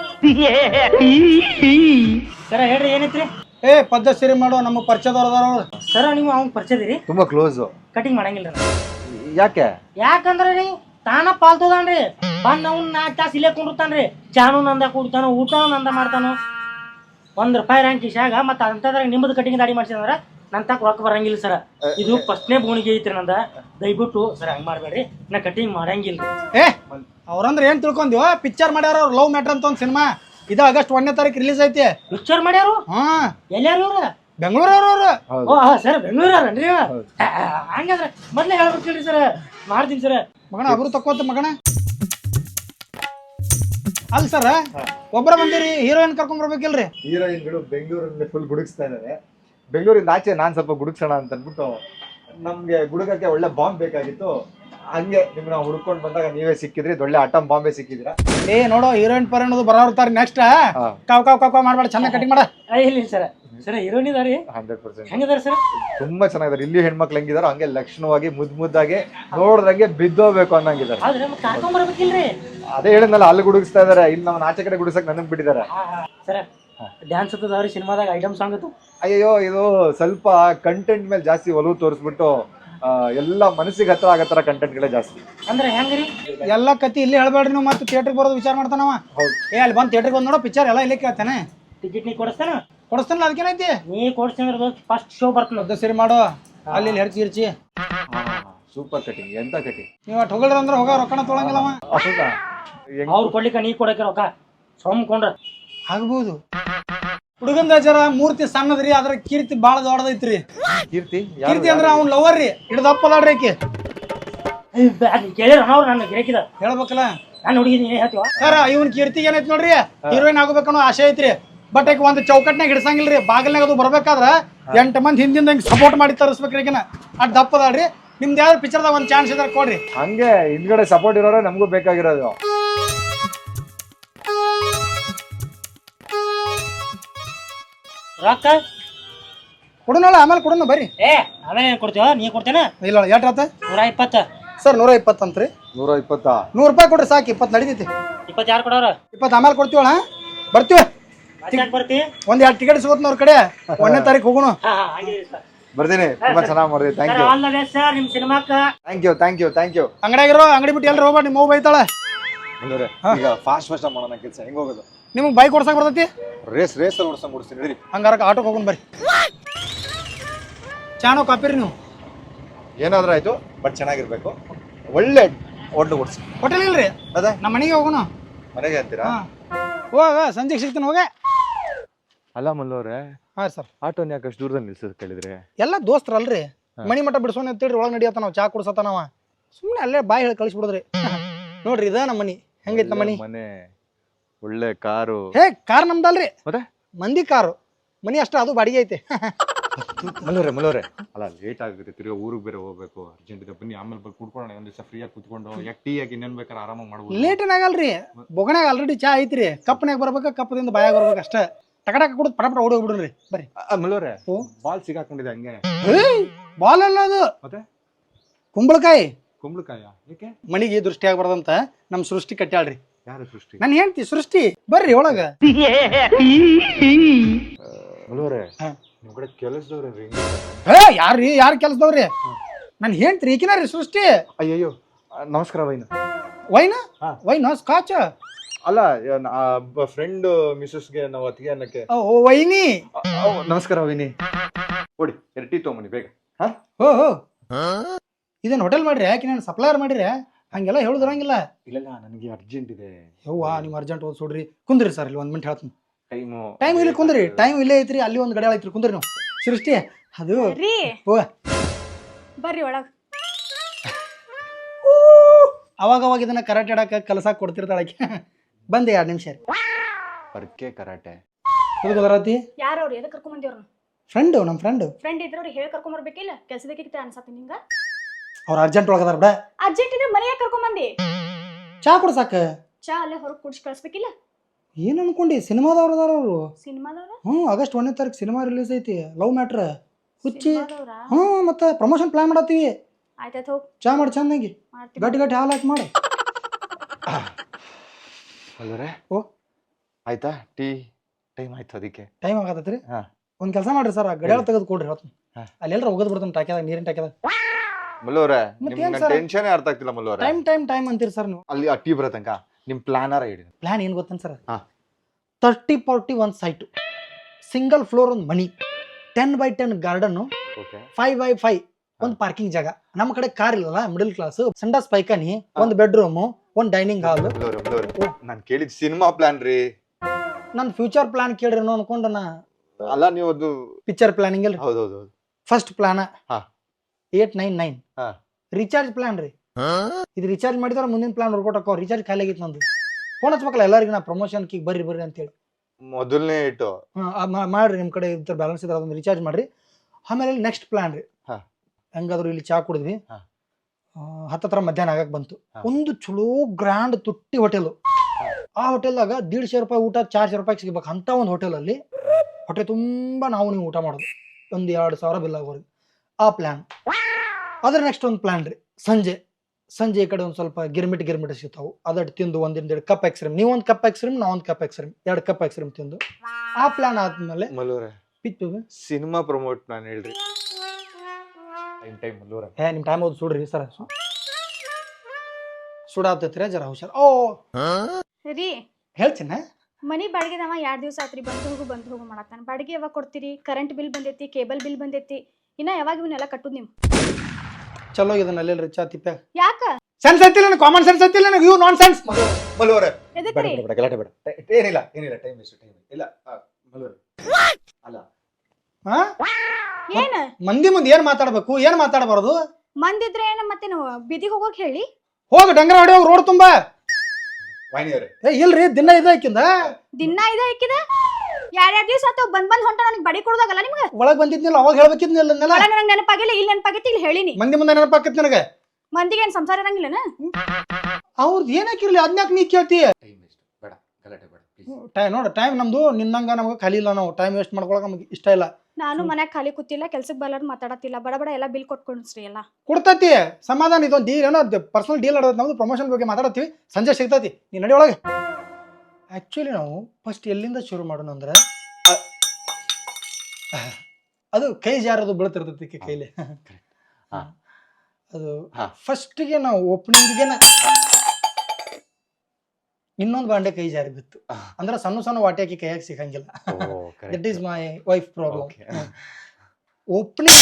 ಸರ ಹೇಳ್ರಿ, ಏನೈತ್ರಿ? ಪದ್ಧ ಸೀರೆ ಮಾಡೋ ನಮ್ಮ ಪರಿಚಯದವ್ರದವ್ರು. ಸರ ನೀವು ಅವ್ನ ಪರಿಚಯದಿರಿ? ತುಂಬಾ ಕ್ಲೋಸ್. ಕಟಿಂಗ್ ಮಾಡಂಗಿಲ್ಲ. ಯಾಕಂದ್ರೆ ರೀ ತಾನ ಪಾಲ್ತದಾನ್ರಿ. ಬಂದ್ ಅವ್ನ 4 ತಾಸು ಇಲ್ಲೇ ಕುಂಡಿರ್ತಾನ್ರಿ. ಚಾನು ನಂದ ಕುಡ್ತಾನೋ, ಊಟನೂ ನಂದ ಮಾಡ್ತಾನೋ. ₹1 ರ್ಯಾಂಕ್ ಇಶಾಗ ಮತ್ತ ಅಂತದ್ರಾಗ ನಿಮ್ಮದು ಕಟಿಂಗ್ ದಾಡಿ ಮಾಡ್ಸಿದ್ರ ನನ್ ತಕ್ಕ ರೊಕ್ಕ ಬರಂಗಿಲ್ಲ ಸರ. ಇದು ಫಸ್ಟ್ನೇ ಬೋಣಿಗೆ ಐತ್ರಿ ನಂದ. ದಯವಿಟ್ಟು ಸರ್ ಹಂಗ್ ಮಾಡ್ಬೇಡ್ರಿ, ನಾ ಕಟಿಂಗ್ ಮಾಡಂಗಿಲ್ಲ. ಅವ್ರಂದ್ರೆ ಏನ್ ತಿಳ್ಕೊಂದಿವ? ಪಿಕ್ಚರ್ ಮಾಡ್ಯಾರ ಅವ್ರು, ಲವ್ ಮ್ಯಾಟ್ರ್ ಅಂತ ಒಂದ್ ಸಿನಿಮಾ. ಇದು ಆಗಸ್ಟ್ 1ನೇ ತಾರೀಕು ರಿಲೀಸ್ ಐತಿ. ಪಿಕ್ಚರ್ ಮಾಡ್ಯಾರು? ಎಲ್ಲಾರು ಇವ್ರ? ಬೆಂಗಳೂರವ್ರು. ಸರ್ ಬೆಂಗಳೂರನ್ರಿ? ಹಂಗಂದ್ರೆ ಮೊದ್ಲೇ ಹೇಳ್ಬೇಕಿಲ್ರಿ ಸರ್. ಮಾಡ್ತೀನಿ ಸರ್. ಮಗಣ ಅವ್ರು ತಕ್ಕೋತ ಮಗಣ. ಅಲ್ಲ ಸರ್, ಒಬ್ಬರ ಬಂದಿರಿ, ಹೀರೋಯಿನ್ ಕರ್ಕೊಂಡ್ ಬರ್ಬೇಕಿಲ್ರಿ? ಹೀರೋಯಿನ್ಗಳು ಬೆಂಗಳೂರಲ್ಲಿ ಫುಲ್ ಗುಡುಗಿಸ್ತಾ ಇದ್ದಾರೆ. ಬೆಂಗಳೂರಿಂದ ಆಚೆ ನಾನ್ ಸ್ವಲ್ಪ ಗುಡುಗ್ಸೋಣ ಅಂತ ಅನ್ಬಿಟ್ಟು, ನಮ್ಗೆ ಗುಡುಗಕ್ಕೆ ಒಳ್ಳೆ ಬಾಂಬ್ ಬೇಕಾಗಿತ್ತು. ಹಂಗೆ ನಿಮ್ನ ಹುಡ್ಕೊಂಡ್ ಬಂದಾಗ ನೀವೇ ಸಿಕ್ಕಿದ್ರಿ. ಒಳ್ಳೆ ಅಟಮ್ ಬಾಂಬೆ ಸಿಕ್ಕಿದ್ರ. ನೋಡೋ, ಹೀರೋಯಿನ್ ಪರ ಅನ್ನೋದು ಬರೋರ್ತಾರೆ. ನೆಕ್ಸ್ಟ್ ಕಾವ್ ಕಾವ್ ಕಾವ್ ಮಾಡ್ಬೇಡ, ಚೆನ್ನಾಗಿ ಕಟಿಂಗ್ ಮಾಡ. ಇಲ್ಲ ಸರ್. ಸರ್ ಹೀರೋಯಿನ್ ಇದಾರಿ? 100% ಹೆಂಗಿದಾರೆ ಸರ್? ತುಂಬಾ ಚೆನ್ನಾಗಿದ್ದಾರೆ. ಇಲ್ಲಿ ಹೆಣ್ಮಕ್ಳು ಹೆಂಗಿದಾರೋ ಹಂಗೆ ಲಕ್ಷಣವಾಗಿ ಮುದ್ದಾಗಿ ನೋಡ್ದಂಗೆ ಬಿದ್ದೋಗ್ಬೇಕು ಅನ್ನಂಗಿದ್ದಾರೆ. ಕರ್ಕೊಂಡ್ ಬರ್ಬೇಕಿಲ್ರಿ? ಅದೇ ಹೇಳಿದ್ನಲ್ಲ, ಅಲ್ಲಿ ಗುಡುಗಿಸ್ತಾ ಇದಾರೆ. ಇಲ್ಲಿ ನಾವು ಆಚೆ ಕಡೆ ಗುಡಿಸಕ್ ನನಗ್ ಬಿಟ್ಟಿದ್ದಾರೆ. ಸರ್ ಡ್ಯಾನ್ಸ್ ಹತ್ತದವ್ರಿ ಸಿನಿಮಾದಾಗ, ಐಟಮ್ ಸಾಂಗ್ ಅದು. ಅಯ್ಯೋ, ಇದು ಸ್ವಲ್ಪ ಕಂಟೆಂಟ್ ಮೇಲೆ ಜಾಸ್ತಿ ಒಲವು ತೋರಿಸ್ಬಿಟ್ಟು ಎಲ್ಲ ಮನಸ್ಸಿಗೆ ಹತ್ರ ಆಗತ್ತರ ಕಂಟೆಂಟ್ಗಳೇ ಜಾಸ್ತಿ. ಅಂದ್ರೆ ಹೆಂಗ್ರಿ? ಎಲ್ಲ ಕತಿ ಇಲ್ಲಿ ಹೇಳ್ಬೇಡ್ರಿ ನೀವು. ಮತ್ತೆ ಥಿಯೇಟರ್ ಬರೋದು ವಿಚಾರ ಮಾಡ್ತಾನವ. ಅಲ್ಲಿ ಬಂದ್ ಥಿಯೇಟರ್ ಬಂದ್ ನೋಡೋ ಪಿಕ್ಚರ್ ಎಲ್ಲ ಇಲ್ಲಿ ಕೇಳ್ತಾನೆ. ಟಿಕೆಟ್ ನೀ ಕೊಡಿಸ್ತಾನ? ಕೊಡಿಸ್ತಾನಲ್ಲ, ಅದಕ್ಕೇನೈತಿ? ನೀ ಕೊಡಿಸ್ತಾನ. ಫಸ್ಟ್ ಶೋ ಬರ್ತಾನ. ಪದ್ಧ ಸೀರೆ ಮಾಡೋ, ಅಲ್ಲಿ ಹೆರ್ಚಿ ಸೂಪರ್ ಕಟಿಂಗ್. ಎಂತ ಕಟಿಂಗ್! ನೀವು ಅಟ್ ಹೋಗಲ್ರಿ ಅಂದ್ರೆ ಹೋಗ, ರೊಕ್ಕನ ತೊಳಂಗಿಲ್ಲವ. ಅವ್ರು ಕೊಡ್ಲಿಕ್ಕ ನೀ ಕೊಡಕ್ಕೆ ರೊಕ್ಕ ಸೋಮ್ಕೊಂಡ್ರ ಆಗ್ಬೋದು. ಹುಡುಗಂದ ಜರ ಮೂರ್ತಿ ಸಣ್ಣದ್ರಿ, ಅದ್ರ ಕೀರ್ತಿ ಬಾಳ ದೊಡ್ಡದೈತ್ರಿ. ಕೀರ್ತಿ ಅಂದ್ರ ಅವ್ನ ಲವರ್ ರೀ, ಹಿಡ್ದಪ್ಪದಾಡ್ರಿ ಆಕಿ. ಕೇಳಿರ ಅವ್ರು ನನ್ನ ಗಿರಾಕಿದ ಹೇಳ್ಬೇಕಲ್ಲ. ನಾನು ಹುಡುಗಿ ನೀನೇ ಹೇಳ್ತೀವ ಸರ್ ಇವನ್ ಕೀರ್ತಿಗೆ ಏನೈತಿ ನೋಡ್ರಿ ಹೀರೋಯಿನ್ ಆಗ್ಬೇಕನ್ನೋ ಆಸೆ ಐತ್ರಿ ಬಟ್ ಈಗ ಒಂದು ಚೌಕಟ್ನಾಗ ಹಿಡ್ಸಂಗಿಲ್ರಿ ಬಾಗಿಲ್ನಾಗ ಅದು ಬರ್ಬೇಕಾದ್ರ 8 ಮಂದಿ ಹಿಂದಿಂದ ಹಿಂಗೆ ಸಪೋರ್ಟ್ ಮಾಡಿ ತರಿಸ್ಬೇಕ್ರಿ ಈಗಿನ ಅದ್ ದಪ್ಪದಾಳ್ರಿ ನಿಮ್ದು ಯಾವ್ದು ಪಿಕ್ಚರ್ದಾಗ ಒಂದು ಚಾನ್ಸ್ ಇದ್ರೆ ಕೊಡ್ರಿ. ಹಂಗೆ ಹಿಂದ್ಗಡೆ ಸಪೋರ್ಟ್ ಇರೋರೆ ನಮಗೂ ಬೇಕಾಗಿರೋದು. ರೊಕ್ಕ ಕೊಡೋನಲ್ಲ ಆಮೇಲೆ ಕೊಡೋಣ ಬರ್ರಿ. ಆಮೇಲೆ ಕೊಡ್ತೀವ ನೀ ಕೊಡ್ತೇನ? ಇಲ್ಲ ಎಷ್ಟು ಆತ? 120 ಸರ್ 120 ಅಂತ್ರಿ. 120 100 ರೂಪಾಯಿ ಕೊಡ್ರಿ ಸಾಕು 20 ನಡೀತೈತಿ. 20 ಯಾರು ಕೊಡೋರ? 20 ಆಮೇಲೆ ಕೊಡ್ತೀವಳ ಬರ್ತೀವಿ. ಬರ್ತಿ ಒಂದ್ 2 ಟಿಕೆಟ್ ಸಿಗುತ್ತೆ ಅವ್ರ ಕಡೆ 1ನೇ ತಾರೀಕು ಹೋಗೋಣ. ಬರ್ತೀನಿ. ತುಂಬಾ ಚೆನ್ನಾಗಿ ಮಾಡಿದ್ರಿ. Thank you. All the best sir ನಿಮ್ ಸಿನಿಮಾಕ್ಕ. Thank you. ಅಂಗಡಿಯಾಗಿರೋ ಅಂಗಡಿ ಬಿಟ್ಟು ಎಲ್ರು ಹೋಗ್ಬೇಡಿ ನಿಮ್ಮ ಬೈತಾಳೆ. ಈಗ ಫಾಸ್ಟ್ ಮಾಡೋಣ ಕೆಲಸ. ಹೆಂಗ್ ಹೋಗೋದು? ನಿಮಗೆ ಬೈಕ್ ಓಡ್ಸಕ್ ಬರ್ತೈತಿ? ರೇಸ್ ಓಡ್ಸಂಗ್ ಓಡಿಸ್ತೀನಿ ನಡೀರಿ. ಹಂಗಾರ ಆಟೋಗೆ ಹೋಗೋಣ ಬರ್ರಿ. ಚಾನೋ ಕಾಪಿರಿ ನೀವು ಏನಾದ್ರೂ ಆಯ್ತು ಬಟ್ ಚೆನ್ನಾಗಿರ್ಬೇಕು. ಒಳ್ಳೆ ಹೋಟ್ಲು ಓಡಿಸಿ. ಹೋಟೆಲ್ ಇಲ್ರಿ ಅದೇ ನಮ್ಮ ಮನೆಗೆ ಹೋಗೋಣ. ಮನೆಗೆ ಅಂತೀರಾ? ಹೋಗ ಸಂಜೆಗೆ ಸಿಗ್ತೀನಿ ಹೋಗ. ಅಲ್ಲ ಮಲ್ಲೋರೆ. ಹಾ ಸರ್. ಆಟೋನ್ ಯಾಕೆ ಅಷ್ಟು ದೂರದಲ್ಲಿ ನಿಲ್ಸೋದು ಕೇಳಿದ್ರೆ? ಎಲ್ಲ ದೋಸ್ತರಲ್ರಿ ಮಣಿ ಮಠ ಬಿಡ್ಸೋಣ ಅಂತೇಳಿ ಒಳಗೆ ನಡಿಯತ್ತ ನಾವು ಚಾ ಕುಡ್ಸತ್ತ ನಾವ ಸುಮ್ಮನೆ ಅಲ್ಲೇ ಬಾಯಿ ಹೇಳಿ ಕಳಿಸ್ಬಿಡೋದ್ರಿ. ನೋಡ್ರಿ ಇದ ನಮ್ಮ ಮನಿ. ಹೆಂಗೈತಿ ನಮ್ಮ ಮನೆ? ಒಳ್ಳೆ ಕಾರು. ಕಾರ್ ನಮ್ದಲ್ರಿ ಮತ್ತೆ ಮಂದಿ ಕಾರು. ಮನಿ ಅಷ್ಟ ಅದು ಬಾಡಿಗೆ ಐತೆ. ಮಲ್ಲೋರೆ ಅಲ್ಲ ಲೇಟ್ ಆಗುತ್ತೆ. ತಿರ್ಗಾ ಊರಿಗೆ ಬೇರೆ ಹೋಗ್ಬೇಕು. ಅರ್ಜೆಂಟ್ ಇದೆ ಬನ್ನಿ. ಆಮೇಲೆ ಬಂದು ಕುಡ್ಕೊಳ್ಳೋಣ ಒಂದ್ ದಿವಸ ಫ್ರೀ ಆಗಿ ಕುತ್ಕೊಂಡು ಯಾಕೆ ಟೀ ಆಗಿ ಇನ್ನೇನ್ ಬೇಕಾದ್ರೆ ಆರಾಮಾಗಿ ಮಾಡ್ಬೋದು. ಲೇಟ್ ಏನಾಗಲ್ರಿ ಬೊಗಣಾಗ ಆಲ್ರೆಡಿ ಚಾ ಐತ್ರಿ. ಕಪ್ನಾಗ ಬರ್ಬೇಕ ಕಪ್ಪದಿಂದ ಬಾಯಾಗ ಬರ್ಬೇಕು ಅಷ್ಟ. ಟಕಟಕ ಕುಡಿದ್ ಪಟ ಓಡಿ ಹೋಗ್ಬಿಡ್ರಿ ಬರ್ರಿ. ಮಲ್ಲೋರೆ ಬಾಲ್ ಸಿಗಾಕೊಂಡಿದೆ ಹಂಗೆ. ಬಾಲ್ ಅಲ್ಲ ಅದು ಮತ್ತೆ ಕುಂಬಳಕಾಯಿ. ಯಾಕೆ? ಮನಿಗೆ ದೃಷ್ಟಿ ಆಗ್ಬಾರ್ದಂತ ನಮ್ ಸೃಷ್ಟಿ ಕಟ್ಟಾಳ್ರಿ. ಯಾರು ಸೃಷ್ಟಿ? ನಾನು ಹೇಳ್ತಿ ಸೃಷ್ಟಿ ಬರ್ರಿ ಒಳಗ. ಮಲ್ಲೋರೆ ನಿಮ್ ಕಡೆ ಕೆಲಸದವ್ರಿ ಯಾರ್ರಿ ಯಾರು ಕೆಲ್ಸದವ್ರಿ? ನಾನು ಹೇಳ್ತೀರಿ ಈಕಿನ ರೀ ಸೃಷ್ಟಿ. ಅಯ್ಯಯ್ಯೋ ನಮಸ್ಕಾರ ವೈನ ಸ್ಕಾಚ್ ಅಲ್ಲ ಫ್ರೆಂಡ್ ಮಿಸಸ್ಗೆ ನಾವು ಅತ್ತಿಗೆ ಅನ್ನಕ್ಕೆ. ವೈನಿ ನಮಸ್ಕಾರ ವೈನಿ. ಕೊಡಿ 2 ಟೀ ತಗೊಂಬನ್ನಿ ಬೇಗ. ಇದನ್ನ ಹೋಟೆಲ್ ಮಾಡ್ರಿ ಯಾಕೆ ನಾನು ಸಪ್ಲೈಯರ್ ಮಾಡಿರಿ ಹಂಗೆಲ್ಲ ಹೇಳುದ್ರಂಗಿಲ್ಲ. ಇಲ್ಲ ನನಗೆ ಅರ್ಜೆಂಟ್ ಇದೆ. ಯವ್ವಾ ನೀವು ಅರ್ಜೆಂಟ್ ಓದ್ಸೋಡ್ರಿ. ಕುಂದ್ರಿ ಸರ್ ಇಲ್ಲಿ 1 ಮಿನಿಟ್ ಹೇಳ್ತೀನಿ. ಟೈಮ್ ಇಲ್ಲಿ ಕುಂದ್ರಿ. ಟೈಮ್ ಇಲ್ಲೇ ಐತ್ರಿ. ಅಲ್ಲಿ ಒಂದು ಗಡಿಯಾಳ ಐತ್ರಿ ಕುಂದ್ರಿ ನೀವು. ಸೃಷ್ಟಿ ಅದು ಬರ್ರಿ ಒಳಗ್. ಅವಾಗ ಇದನ್ನ ಕರಾಟೆ ಆಡಕ ಕಲಸಾಕ್ ಕೊಡ್ತಿರ್ತಾಳಕ್ಕೆ. ಬಂದೆ 2 ನಿಮಿಷ. ಪರ್ಕೆ ಕರಾಟೆ ಬರತಿ ಯಾರವ್ರು ಎದಕ್ ಕರ್ಕೊಂಡ್ ಬಂದಿವ್ರ? ಫ್ರೆಂಡ್ ನಮ್ಮ ಫ್ರೆಂಡ್ ಇದ್ರ ಅವ್ರಿಗೆ ಹೇಳಿ ಕರ್ಕೊಂಡ್ ಬರ್ಬೇಕಿಲ್ಲ? ಕೆಲ್ಸದಕ್ಕೆ ಅನ್ಸತ್ತೆ ನಿಂಗ? ಅವ್ರ ಅರ್ಜೆಂಟ್ ಒಳಗದಾರ ಬಿಡ. ಅರ್ಜೆಂಟ್ ಇದ್ರೆ ಮನೆಯಾಗ ಕರ್ಕೊಂಡ್ ಬಂದಿ. ಚಾ ಕುಡ್ಸಾಕ ಚಾ ಅಲ್ಲೇ ಹೊರಗ್ ಕುಡ್ಸಿ ಕಳ್ಸ್ಬೇಕಿಲ್ಲ? ಏನ್ ಅನ್ಕೊಂಡಿ? ಸಿನಿಮಾದವ್ರ ಅದಾರ ಅವರು. ಸಿನಿಮಾದವ್ರ? ಆಗಸ್ಟ್ 1ನೇ ತಾರೀಕು ಸಿನಿಮಾ ರಿಲೀಸ್ ಐತಿ. ಲವ್ ಮ್ಯಾಟ್ರ್ ಹುಚ್ಚಿ. ಮತ್ತೆ ಪ್ರಮೋಷನ್ ಪ್ಲಾನ್ ಮಾಡತ್ತೀವಿ. ಆಯ್ತಾಯ್ತು ಹೋಗ್ ಚಾ ಮಾಡಿ ಚಂದಾಗಿ ಗಟ್ಟಿ ಹಾಲು ಹಾಕಿ ಮಾಡಿ. ಆಯ್ತಾ ಟೀ ಟೈಮ್ ಆಯ್ತು. ಅದಕ್ಕೆ ಟೈಮ್ ಆಗತ್ತೈತ್ರಿ. ಒಂದ್ ಕೆಲಸ ಮಾಡ್ರಿ ಸರ್ ಗಡಿಯಾಳ ತೆಗೆದು ಕೊಡ್ರಿ. ಅಲ್ಲಿ ಎಲ್ಲರ ಹೋಗದ್ ಬಿಡ್ತಾನೆ ಟಾಕ್ಯಾದಾಗ ನೀರಿನ ಟಾಕ್ಯಾದಾಗ. ಮಲ್ಲೋರೆ ಟೆನ್ಷನ್ ಅರ್ಥ ಆಗ್ತಿಲ್ಲ ಮಲ್ಲೋರೆ. ಟೈಮ್ ಅಂತೀರಿ ಸರ್ ನೀವು. ಅಲ್ಲಿ ಟೀ ಬರೋ ತನಕ ನಿಮ್ ಪ್ಲಾನರ ಹೇಳಿ. ಪ್ಲಾನ್ ಏನ್ ಗೊತ್ತೇನು ಸರ್? 30-40 ಒಂದು ಸೈಟು, ಸಿಂಗಲ್ ಫ್ಲೋರ್ ಒಂದು ಮನಿ, 10x10 ಗಾರ್ಡನ್, 5x5 ಒಂದು ಪಾರ್ಕಿಂಗ್ ಜಾಗ. ನಮ್ಮ ಕಡೆ ಕಾರ್ ಇಲ್ಲಲ್ಲ, ಮಿಡಲ್ ಕ್ಲಾಸ್. ಸಂಡಾಸ್ ಪೈಖಾನಿ, ಒಂದು ಬೆಡ್ರೂಮ್, ಒಂದು ಡೈನಿಂಗ್ ಹಾಲ್. ನಾನು ಕೇಳಿದ್ ಸಿನಿಮಾ ಪ್ಲಾನ್ ರೀ. ನನ್ನ ಫ್ಯೂಚರ್ ಪ್ಲಾನ್ ಕೇಳ್ರಿ ಅನ್ಕೊಂಡು ನಾ. ಅಲ್ಲ ನೀವು ಅದು ಪಿಕ್ಚರ್ ಪ್ಲಾನಿಂಗ್ ಅಲ್ರಿ. ಹೌದೌದು. ಫಸ್ಟ್ ಪ್ಲಾನ್ 899 ರೀಚಾರ್ಜ್ ಪ್ಲಾನ್ ರೀ. ಇದು ರೀಚಾರ್ಜ್ ಮಾಡಿದ್ರೆ ಮುಂದಿನ ಪ್ಲಾನ್ ವರ್ಕೌಟ್ ಹಾಕೋ. ರೀಚಾರ್ಜ್ ಖಾಲಿ ಆಗಿತ್ತು ನಂದು. ಫೋನ್ ಹಚ್ಬೇಕಲ್ಲ ಎಲ್ಲರಿಗೂ ನಾ ಪ್ರಮೋಷನ್ ಕೀಗ್ ಬರ್ರಿ ಅಂತೇಳಿ. ಮೊದಲನೇ ಇಟ್ಟು ಮಾಡ್ರಿ. ನಿಮ್ ಕಡೆ ಇದ್ರ ಬ್ಯಾಲೆನ್ಸ್ ಇದ್ರೆ ಅದೊಂದು ರೀಚಾರ್ಜ್ ಮಾಡ್ರಿ. ಆಮೇಲೆ ನೆಕ್ಸ್ಟ್ ಪ್ಲಾನ್ ರೀ. ಹೆಂಗಾದ್ರು ಇಲ್ಲಿ ಚಾ ಕುಡಿದ್ವಿ. ಹತ್ತತ್ರ ಮಧ್ಯಾಹ್ನ ಆಗಕ್ ಬಂತು. ಒಂದು ಚಲೋ ಗ್ರ್ಯಾಂಡ್ ತುಟ್ಟಿ ಹೋಟೆಲ್. ಆ ಹೋಟೆಲ್ದಾಗ 150 ರೂಪಾಯಿ ಊಟ 400 ರೂಪಾಯಿ ಸಿಗ್ಬೇಕು ಅಂತ ಒಂದು ಹೋಟೆಲ್ ಅಲ್ಲಿ. ಹೊಟ್ಟೆ ತುಂಬಾ ನಾವು ನೀವು ಊಟ ಮಾಡೋದು. ಒಂದು 2,000 ಬಿಲ್ ಆಗೋರಿಗೆ ಆ ಪ್ಲಾನ್. ಅದ್ರ ನೆಕ್ಸ್ಟ್ ಒಂದು ಪ್ಲಾನ್ ರೀ. ಸಂಜೆ ಈ ಕಡೆ ಒಂದು ಸ್ವಲ್ಪ ಗಿರ್ಮಿಟ್ ಸಿಗ್ತಾವು. ಅದಟ್ಟು ತಿಂದು ಒಂದೆರಡು ಕಪ್ ಐಸ್ಕ್ರೀಮ್. ನೀವು ಒಂದು ಕಪ್ ಐಸ್ಕ್ರೀಮ್, ನಾ ಒಂದು ಕಪ್ ಐಸ್ಕ್ರೀಮ್, 2 ಕಪ್ ಐಸ್ಕ್ರೀಮ್ ತಿಂದು. ಆ ಪ್ಲಾನ್ ಆದ್ಮೇಲೆ ಸಿನಿಮಾ ಪ್ರಮೋಟ್ ನಾನು ಹೇಳ್ರಿ. ನಿಮ್ ಟೈಮ್ ಹೋದ್ ಸುಡ್ರಿ ಸರ್. ಸುಡಾತೈತ್ರಿ ಜರ ಹುಷಾರ್. ರೀ ಹೇಳ್ತೀನ ಮನಿ ಬಾಡಿಗೆದವ 2 ದಿವಸ ಆತ್ರಿ. ಬಂದು ಹೋಗು ಮಾಡತ್ತಾನ. ಬಾಡಿಗೆ ಯಾವಾಗ ಕೊಡ್ತೀರಿ? ಕರೆಂಟ್ ಬಿಲ್ ಬಂದೈತಿ, ಕೇಬಲ್ ಬಿಲ್ ಬಂದೈತಿ. ಇನ್ನ ಯಾವಾಗ ಇವನ್ನೆಲ್ಲ ಕಟ್ಟುದ್ ನೀವು? ಚಲೋ ಇದನ್ನ ಅಲ್ಲೆಲ್ರಿ ಚಾ ತಿಪ್ಪ. ಯಾಕ? ಸೆನ್ಸ್ ಐತಿಲ್ಲ, ಕಾಮನ್ ಸೆನ್ಸ್ ಐತಿಲ್ಲ, ಇವು ನಾನ್ ಸೆನ್ಸ್. ಎದಕ್ರಿ? ಗಲಾಟೆ ಬೇಡ. ಏನಿಲ್ಲ ಟೈಮ್ ಇಲ್ಲ ಮಲ್ಲೋರೆ. ಅಲ್ಲ ಏನ ಮಂದಿ ಮುಂದೆ ಏನ್ ಮಾತಾಡ್ಬೇಕು, ಏನ್ ಮಾತಾಡಬಾರದು? ಮಂದಿದ್ರೆ ಏನ ಮತ್ತೆ ನಾವು ಬೀದಿಗೆ ಹೋಗೋಕ್ ಹೇಳಿ? ಹೋಗ ಡಂಗರ ಹೊಡಿ ಹೋಗಿ ರೋಡ್ ತುಂಬಾ. ವಾಹಿನಿಯವರೇ ಏ ಇಲ್ರಿ ದಿನ ಇದ ಆಕಿಂದ ದಿನ ಇದ ಹಾಕಿದೆ 2 ದಿವಸ ಆತು ಬಂದ್ ಹೊಂಟ ನನಗೆ ಬಡಿ ಕೊಡೋದಾಗಲ್ಲ ನಿಮ್ಗೆ ಒಳಗ್ ಬಂದಿದ್ನಿಲ್ಲ ಅವಾಗ ಹೇಳ್ಬೇಕಿದ್ನಿಲ್ಲ ಒಳಗೆ ನನಗೆ ನೆನಪಾಗಿಲ್ಲ ಇಲ್ಲಿ ನೆನಪಾಗೈತಿ ಇಲ್ಲಿ ಹೇಳಿನಿ ಮಂದಿ ಮುಂದೆ ನೆನಪಾಕತ್ ನನಗೆ ಮಂದಿಗೆ ಏನ್ ಸಂಸಾರ ಇರಂಗಿಲ್ಲನ ಅವ್ರದ್ದು ಏನಾಕಿರ್ಲಿ ಅದ್ನ್ಯಾಕ್ ನೀ ಕೇಳ್ತಿ ಟೈಮ್ ವೇಸ್ಟ್ ಬೇಡ ಗಲಾಟೆ ಬೇಡ ಪ್ಲೀಸ್. ಟೈಮ್ ನೋಡ ಟೈಮ್ ನಮ್ದು ನಿನ್ನಂಗ ನಮ್ಗೆ ಖಾಲಿ ಇಲ್ಲ ನಾವು ಟೈಮ್ ವೇಸ್ಟ್ ಮಾಡ್ಕೊಳಕ್ ನಮ್ಗೆ ಇಷ್ಟ ಇಲ್ಲ ನಾನು ಮನ್ಯಾಗ ಖಾಲಿ ಕೂತಿಲ್ಲ ಕೆಲ್ಸಕ್ಕೆ ಬರಲಾರ ಮಾತಾಡತ್ತಿಲ್ಲ ಬಡ ಬಡ ಎಲ್ಲ ಬಿಲ್ ಕೊಟ್ಕೊಂಡ್ರಿ ಎಲ್ಲ ಕೊಡ್ತೈತಿ ಸಮಾಧಾನ ಇದೊಂದು ಡೀಲ್ ಏನೋ ಪರ್ಸನಲ್ ಡೀಲ್ ಆಡೋದು ನಮ್ದು ಪ್ರಮೋಷನ್ ಬಗ್ಗೆ ಮಾತಾಡತ್ತೀವಿ ಸಂಜೆ ಸಿಗ್ತೈತಿ ನೀ ನಡಿ ಒಳಗೆ ಆಕ್ಚುಲಿ ನಾವು ಫಸ್ಟ್ ಎಲ್ಲಿಂದ ಶುರು ಮಾಡೋಣ ಅಂದ್ರೆ ಅದು ಕೈ ಜಾರದು ಬೀಳ್ತಿರ್ತೈತಿ ಕೈಲಿ ಹಾ. ಅದು ಹಾ. ಫಸ್ಟ್ಗೆ ನಾವು ಓಪನಿಂಗ್ಗೆ ಇನ್ನೊಂದು ಬಾಂಡೆ ಕೈ ಜಾರಿ ಬಿತ್ತು ಅಂದ್ರೆ ಸಣ್ಣ ಸಣ್ಣ ವಾಟಿ ಹಾಕಿ ಕೈಯಾಗಿ ಸಿಗಂಗಿಲ್ಲ that is my wife problem opening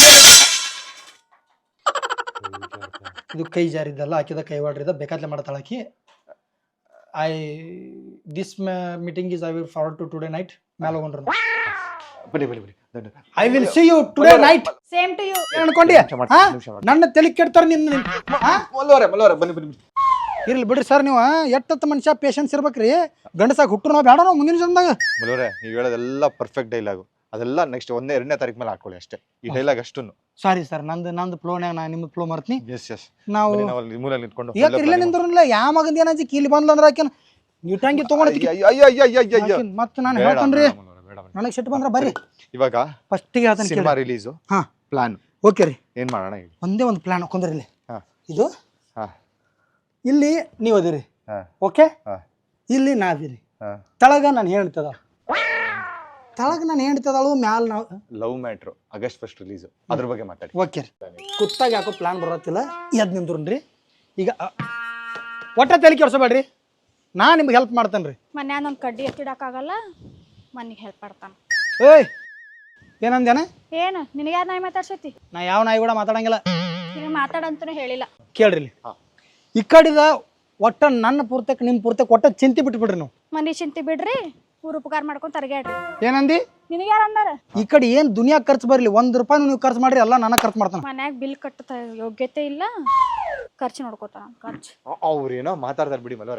ಇದು ಕೈ ಜಾರಿದ್ದಲ್ಲ ಹಾಕಿದ ಕೈವಾಡ್ರಿದ ಬೇಕಾದ್ಲೆ ಮಾಡ್ತಾಳ ಆಕಿ I this meeting is I will forward to today night ಮೇಲೆ ಹೋಗ್ರು ಬನ್ನಿ ಬನ್ನಿ ಬನ್ನಿ I will see you today night same to you ಅನ್ಕೊಂಡಿ ನನ್ನ ತಲೆ ಕೆಡ್ತಾರ ನಿನ್ನ ಮಲ್ಲವರೇ ಬನ್ನಿ ಬನ್ನಿ ಬನ್ನಿ. ಇರ್ಲಿ ಬಿಡ್ರಿ ಸರ್ ನೀವು ಎಷ್ಟೊತ್ತ ಮನುಷ್ಯ ಪೇಷನ್ಸ್ ಇರ್ಬೇಕ್ರಿ ಗಂಡಸಾಗ ಹುಟ್ಟರು ನಾವು ಬೇಡ ನಾವು ಮುಂದಿನ ಜನ್ಮದಾಗ ಮಲ್ಲವರೇ ನೀವು ಹೇಳೋದೆಲ್ಲ ಪರ್ಫೆಕ್ಟ್ ಡೈಲಾಗು ಅದೆಲ್ಲ ನೆಕ್ಸ್ಟ್ 1ನೇ ತಾರೀಕು ಮೇಲೆ ಹಾಕೊಳ್ಳಿ ಅಷ್ಟೇ ಈ ಡೈಲಾಗ್ ಅಷ್ಟನ್ನು. ಸಾರಿ ಸರ್ ನಂದು ಫ್ಲೋನ್ಯಾಗ ನಾ ನಿಮ್ಮ ಫ್ಲೋ ಮರ್ತೀನಿ ಎಸ್ ನಾವು ನಾವು ಅಲ್ಲಿ ಮೂಲೆಯಲ್ಲಿ ನಿಂತ್ಕೊಂಡು ಈಗ ಇರ್ಲೇ ನಿಂದ್ರಲ್ಲ ಯಾವ ಮಗಂದ ಏನಾಜಿ ಕೀಲಿ ಬಂದ್ಲ ಅಂದ್ರೆ ಆಕೆನ ನೀಟಂಗಿ ತಗೊಂಡ್ ಮತ್ತೆ ನಾನು ಹೇಳ್ತೇನ್ರಿ ನನಗೆ ಸಿಟ್ಟು ಬಂದ್ರ ಬರ್ರಿ ಇವಾಗ ಫಸ್ಟಿಗೆ ಹೇಳ್ತಾನೆ ಸಿನಿಮಾ ರಿಲೀಸು ಹಾ ಪ್ಲಾನ್ ಓಕೆ ರೀ ಏನ್ ಮಾಡೋಣ ಹೇಳಿ. ಒಂದೇ ಒಂದು ಪ್ಲಾನ್ ಹಾಕೊಂಡ್ರಿ ಇಲ್ಲಿ ಹಾ. ಇದು ಹಾ. ಇಲ್ಲಿ ನೀವು ಅದಿರಿ ಹಾ. ಓಕೆ ಹಾ. ಇಲ್ಲಿ ನಾದಿರಿ ಹಾ. ತಳಗ ನಾನು ಹೇಳ್ತದ ತಳಗ ನಾನು ಹೇಳ್ತದಳು ಮ್ಯಾಲ ನಾವು ಲವ್ ಮ್ಯಾಟ್ರು ಆಗಸ್ಟ್ 1 ರಿಲೀಸು ಅದ್ರ ಬಗ್ಗೆ ಮಾತಾಡಿ. ಓಕೆ ರೀ ಕುತ್ತಾಗ ಯಾಕೋ ಪ್ಲಾನ್ ಬರತ್ತಿಲ್ಲ ಎದ್ ನಿಂದ್ರಿ ಈಗ ಒಟ್ಟ ತಲೆ ಕೆಡ್ಸಬೇಡ್ರಿ ನಾ ನಿಮ್ಗೆ ಹೆಲ್ಪ್ ಮಾಡ್ತೇನೆ ರೀ ಮನ್ಯಾಗ ಒಂದು ಕಡ್ಡಿ ಎತ್ತಿಡಕ್ಕಾಗಲ್ಲ ಮನಿಗೆ ಹೆಲ್ಪ್ ಮಾಡ್ತಾನ ಏಯ್ ಏನಂದೇನ ಏನು ನಿನಗೆ ಯಾರು ನಾಯಿ ಮಾತಾಡ್ಸೈತಿ ನಾ ಯಾವ ನಾಯಿ ಕೂಡ ಮಾತಾಡಂಗಿಲ್ಲ ನಿನಗೆ ಮಾತಾಡಂತೂ ಹೇಳಿಲ್ಲ ಕೇಳ್ರಿ ಇಲ್ಲಿ ಈ ಕಡಿದ ಒಟ್ಟ ನನ್ನ ಪೂರ್ತಕ್ಕೆ ನಿಮ್ಮ ಪೂರ್ತಕ್ಕೆ ಒಟ್ಟ ಚಿಂತೆ ಬಿಟ್ಬಿಡ್ರಿ ನೀವು ಮನಿ ಚಿಂತೆ ಬಿಡ್ರಿ ಊರು ಉಪಕಾರ ಮಾಡ್ಕೊಂಡ್ ತರಗ್ಯಾಡ್ರಿ ಏನಂದಿ ನಿನಗೆ ಯಾರು ಅಂದಾರ ಈ ಕಡೆ ಏನ್ ದುನಿಯಾ ಖರ್ಚು ಬರ್ಲಿ ₹1 ನೀವು ಖರ್ಚು ಮಾಡ್ರಿ ಎಲ್ಲ ನಾನು ಖರ್ಚು ಮಾಡ್ತಾನೆ ಮನ್ಯಾಗ ಬಿಲ್ ಕಟ್ಟ ಯೋಗ್ಯತೆ ಇಲ್ಲ ಖರ್ಚು ನೋಡ್ಕೋತಾನ ಖರ್ಚು ಅವ್ರೇನೋ ಮಾತಾಡ್ತಾರೆ ಬಿಡಿ ಮಲ್ಲವರೇ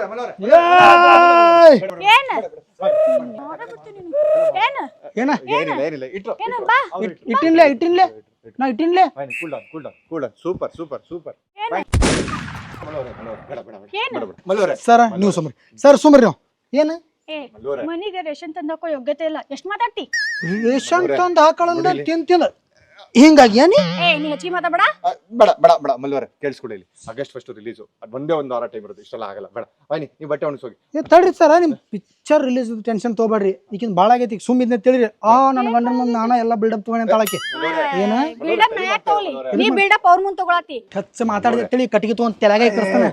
ಏನ ಏನ ಏನ ಏನಿಲ್ಲ ಇಟ್ರು ಏನ ಬಾ ಇಟ್ಟಿನ್ಲೆ ನಾ ಇಟ್ಟಿನ್ಲೆ ಕೂಲ್ ಡೌನ್ ಸೂಪರ್ ಏನ ಸರ್ ನೀವು ಸುಮ್ರಿ ಸರ್ ಸುಮ್ರಿ ನೀವು ಏನ ಏ ಮನಿಗೆ ರೇಷನ್ ತಂದಕ್ಕೋ ಯೋಗ್ಯತೆ ಇಲ್ಲ ಎಷ್ಟ್ ಮಾತಾಡ್ತಿ ರೇಷನ್ ತಂದು ಹಾಕೊಳ್ಳಲ್ಲ ತಿಂತಿಲ್ಲ ಹಿಂಗಾಗಿ ಏನಿ ಏ ನೀ ಹೆಚ್ಚಿಗೆ ಮಾತಾಡ ಬೇಡ ಮಲ್ಲವರೇ ಕೇಳಿಸ್ಕೊಡಿ ಇಲ್ಲಿ ಆಗಸ್ಟ್ 1 ರಿಲೀಸು ಅದು ಒಂದೇ ಒಂದು ವಾರ ಟೈಮ್ ಇರುತ್ತೆ ಇಷ್ಟೆಲ್ಲ ಆಗಲ್ಲ ಬೇಡ ಬನ್ನಿ ನೀವು ಬಟ್ಟೆ ಒಣಗಿಸೋಗಿ. ತಡ್ರಿ ಸರ್ ನಿಮ್ ಪಿಕ್ಚರ್ ರಿಲೀಸ್ ಟೆನ್ಷನ್ ತಗೋಬೇಡ್ರಿ ಈಗಿನ ಭಾಳ ಆಗೈತಿ ಈಗ ಸುಮ್ ಇದನ್ನ ತಿಳಿರಿ ನನ್ನ ಗಂಡನ ಮುಂದೆ ನಾನ ಎಲ್ಲ ಬಿಲ್ಡಪ್ ತಗೊಂಡೆ ಅಂತ ಆಳಕ್ಕೆ ಏನ ಬಿಲ್ಡಪ್ ನಾ ಯಾಕೆ ತಗೊಳ್ಳಿ ನೀ ಬಿಲ್ಡಪ್ ಅವ್ರ ಮುಂದೆ ತಗೊಳತಿ ಹೆಚ್ಚು ಮಾತಾಡಿದ ತಿಳಿ ಕಟ್ಟಿಗೆ ತಗೊಂಡ್ ತೆಲಗ ಇಕ್ಕರ್ಸ್ತಾನೆ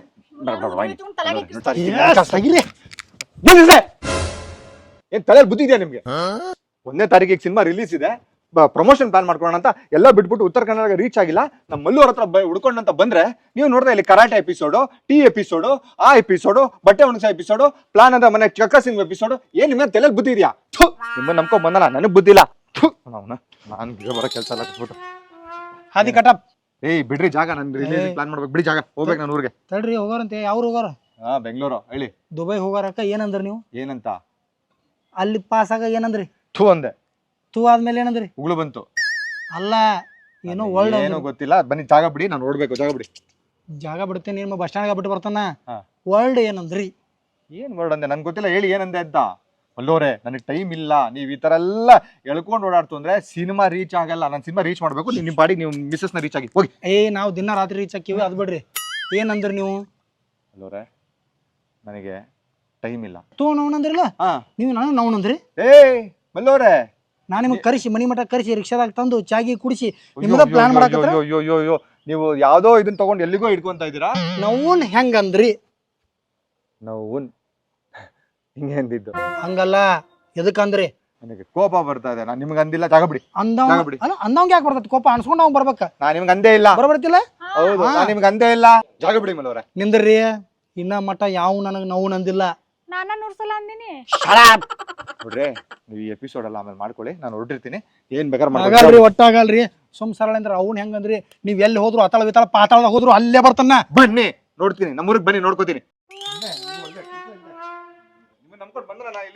ಏನ್ ತಲೆಯಲ್ಲಿ ಬುದ್ಧಿ ಇದೆಯಾ ನಿಮ್ಗೆ? 1ನೇ ತಾರೀಕಿಗೆ ಸಿನಿಮಾ ರಿಲೀಸ್ ಇದೆ ಪ್ರಮೋಷನ್ ಪ್ಲಾನ್ ಮಾಡ್ಕೊಳ್ಳೋಣ ಅಂತ ಎಲ್ಲ ಬಿಟ್ಬಿಟ್ಟು ಉತ್ತರ ಕನ್ನಡ ರೀಚ್ ಆಗಿಲ್ಲ ನಮ್ಮ ಮಲ್ಲೂರ್ ಹತ್ರ ಹುಡ್ಕೊಂಡಂತ ಬಂದ್ರೆ ನೀವು ನೋಡಿದ್ರೆ ಇಲ್ಲಿ ಕರಾಟೆ ಎಪಿಸೋಡು ಟೀ ಎಪಿಸೋಡು ಆ ಎಪಿಸೋಡು ಬಟ್ಟೆ ಒಣಗಿಸೋ ಎಪಿಸೋಡು ಪ್ಲಾನ್ ಅಂತ ಮನೆ ಚಕ್ಕ ಸಿಂಗ್ ಎಪಿಸೋಡು ಏನ್ ನಿಮ್ಗೆ ತಲೆಯಲ್ಲಿ ಬುದ್ಧಿ ಇದೆಯಾ? ನಿಮ್ಮ ನಂಬ್ಕೊಂಡ್ ಬಂದಲ್ಲ ನನಗ್ ಬುದ್ಧಿ ಇಲ್ಲ. ನಾನು ಬರೋ ಕೆಲಸ ಎಲ್ಲ ಕೊಟ್ಬಿಟ್ಟು ಹಾದಿ ಕಟಪ್ ಏಯ್ ಬಿಡ್ರಿ ಜಾಗ ನಾನು ರಿಲೀಸ್ ಪ್ಲಾನ್ ಮಾಡ್ಬೇಕು ಬಿಡಿ ಜಾಗ ಹೋಗ್ಬೇಕು ನಾನು ಊರಿಗೆ. ತಡ್ರಿ ಹೋಗಾರಂತೆ ಯಾವ್ರು ಹೋಗಾರ ಬೆಂಗಳೂರು ಹೇಳಿ ದುಬೈ ಹೋಗಾರಕ್ಕ ಏನಂದ್ರಿ ನೀವು ಏನಂತ ಅಲ್ಲಿ ಪಾಸ್ ಆಗ ಏನಂದ್ರಿ ಥೂ ಅಂದೆ ತೂ ಆದ್ಮೇಲೆ ಏನಂದ್ರಿ ಉಗುಳು ಬಂತು ಅಲ್ಲ ಏನೋ ವರ್ಲ್ಡ್ ಏನೋ ಗೊತ್ತಿಲ್ಲ ಬನ್ನಿ ಜಾಗ ಬಿಡಿ ನಾನು ನೋಡ್ಬೇಕು ಜಾಗ ಬಿಡಿ ಜಾಗ ಬಿಡ್ತೇನೆ ನಿಮ್ಮ ಬಸ್ ಸ್ಟ್ಯಾಂಡ್ ಬಿಟ್ಟು ಬರ್ತಾನ ಹಾ. ವರ್ಲ್ಡ್ ಏನಂದ್ರಿ ಏನ್ ವರ್ಡ್ ಅಂದೆ ನನ್ಗೆ ಗೊತ್ತಿಲ್ಲ ಹೇಳಿ ಏನಂದೆ ಅಂತ. ಅಲ್ಲೋರೆ ನನಗೆ ಟೈಮ್ ಇಲ್ಲ ನೀವು ಈ ತರ ಎಲ್ಲ ಎಳ್ಕೊಂಡು ಓಡಾಡ್ತು ಅಂದ್ರೆ ಸಿನಿಮಾ ರೀಚ್ ಆಗಲ್ಲ. ನಾನು ಸಿನಿಮಾ ರೀಚ್ ಮಾಡ್ಬೇಕು ನಿಮ್ಮ ಬಾಡಿಗೆ ನೀವು ಮಿಸ್ಸಸ್ ನ ರೀಚ್ ಆಗಿ ಹೋಗಿ. ನಾವು ದಿನ ರಾತ್ರಿ ರೀಚ್ ಹಾಕಿವಿ ಅದ್ ಬಿಡ್ರಿ ಏನಂದ್ರಿ ನೀವು ಅಲ್ಲೋರೆ ನನಗೆ ಟೈಮ್ ಇಲ್ಲ ತೂ ನೋವನಂದ್ರಿಲ್ಲ ನೀವು ನಾನು ನೋವನಂದ್ರಿ ಏ ಮಲ್ಲೋರೆ ನಾನು ನಿಮಗೆ ಕರೆಸಿ ಮನಿ ಮಠ ಕರೆಸಿ ರಿಕ್ಷಾದಾಗ ತಂದು ಚಾಗಿ ಕುಡಿಸಿ ನಿಮ್ದ ಪ್ಲಾನ್ ಮಾಡಕತ್ರ ಅಯ್ಯೋ ನೀವು ಯಾವ್ದೋ ಇದನ್ನ ತಗೊಂಡು ಎಲ್ಲಿಗೋ ಇಟ್ಕೊಂತ ಇದ್ದೀರಾ. ನೋವನ್ ಹೆಂಗಂದ್ರಿ ನಾವು ಹಿಂಗೆ ಅಂದಿದ್ದು ಹಂಗಲ್ಲ ಎದಕ್ಕಂದ್ರಿ ನನಗೆ ಕೋಪ ಬರ್ತಾ ಇದೆ. ನಾನು ನಿಮ್ಗೆ ಅಂದಿಲ್ಲ ಜಾಗ ಬಿಡಿ. ಅಂದವಂಗ ಯಾಕೆ ಬರ್ತೈತಿ ಕೋಪ ಅನ್ಸ್ಕೊಂಡ್ ಅವ್ನು ಬರ್ಬೇಕ ನಾನು ನಿಮ್ಗೆ ಅಂದೇ ಇಲ್ಲ ಬರಬರ್ತಿಲ್ಲ ಹೌದು ನಾನು ನಿಮ್ಗೆ ಅಂದೇ ಇಲ್ಲ ಜಾಗ ಬಿಡಿ ಮಲ್ಲೋರೆ. ನಿಂದ್ರಿ ಇನ್ನ ಮಠ ಯಾವ ನನಗೆ ನೋವು ನಂದಿಲ್ಲ ನಾನ ನೂರ್ಸಲ ಅಂದಿನಿ ನೋಡ್ರಿ ನೀವು ಈ ಎಪಿಸೋಡ್ ಎಲ್ಲ ಆಮೇಲೆ ಮಾಡ್ಕೊಳ್ಳಿ ನಾನು ಹೊರಟಿರ್ತೀನಿ ಏನ್ ಬೇಕಾದ್ರೆ ಆಗಲ್ರಿ ಒಟ್ಟಾಗಲ್ರಿ ಸುಮ್ ಸರಳ ಅಂದ್ರೆ ಅವ್ನು ಹೆಂಗಂದ್ರಿ ನೀವ್ ಎಲ್ಲಿ ಹೋದ್ರು ಅತಳ ವಿತಳ ಪಾತಾಳದಾಗ ಹೋದ್ರು ಅಲ್ಲೇ ಬರ್ತಾನ ಬನ್ನಿ ನೋಡ್ತೀನಿ ನಮ್ಮೂರಿಗೆ ಬನ್ನಿ ನೋಡ್ಕೋತೀನಿ.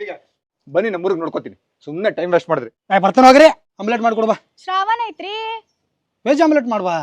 ಇಲ್ಲಿಗೆ ಬನ್ನಿ ನಮ್ಮೂರಿಗೆ ನೋಡ್ಕೋತೀನಿ. ಸುಮ್ಮನೆ ಟೈಮ್ ವೇಸ್ಟ್ ಮಾಡಿದ್ರಿ. ಬರ್ತಾನೆ ಹೋಗ್ರಿ. ಆಮ್ಲೆಟ್ ಮಾಡ್ಕೊಡ್ಬಾ. ಶ್ರಾವಣ ಐತ್ರಿ. ವೆಜ್ ಆಮ್ಲೆಟ್ ಮಾಡ್ವಾ.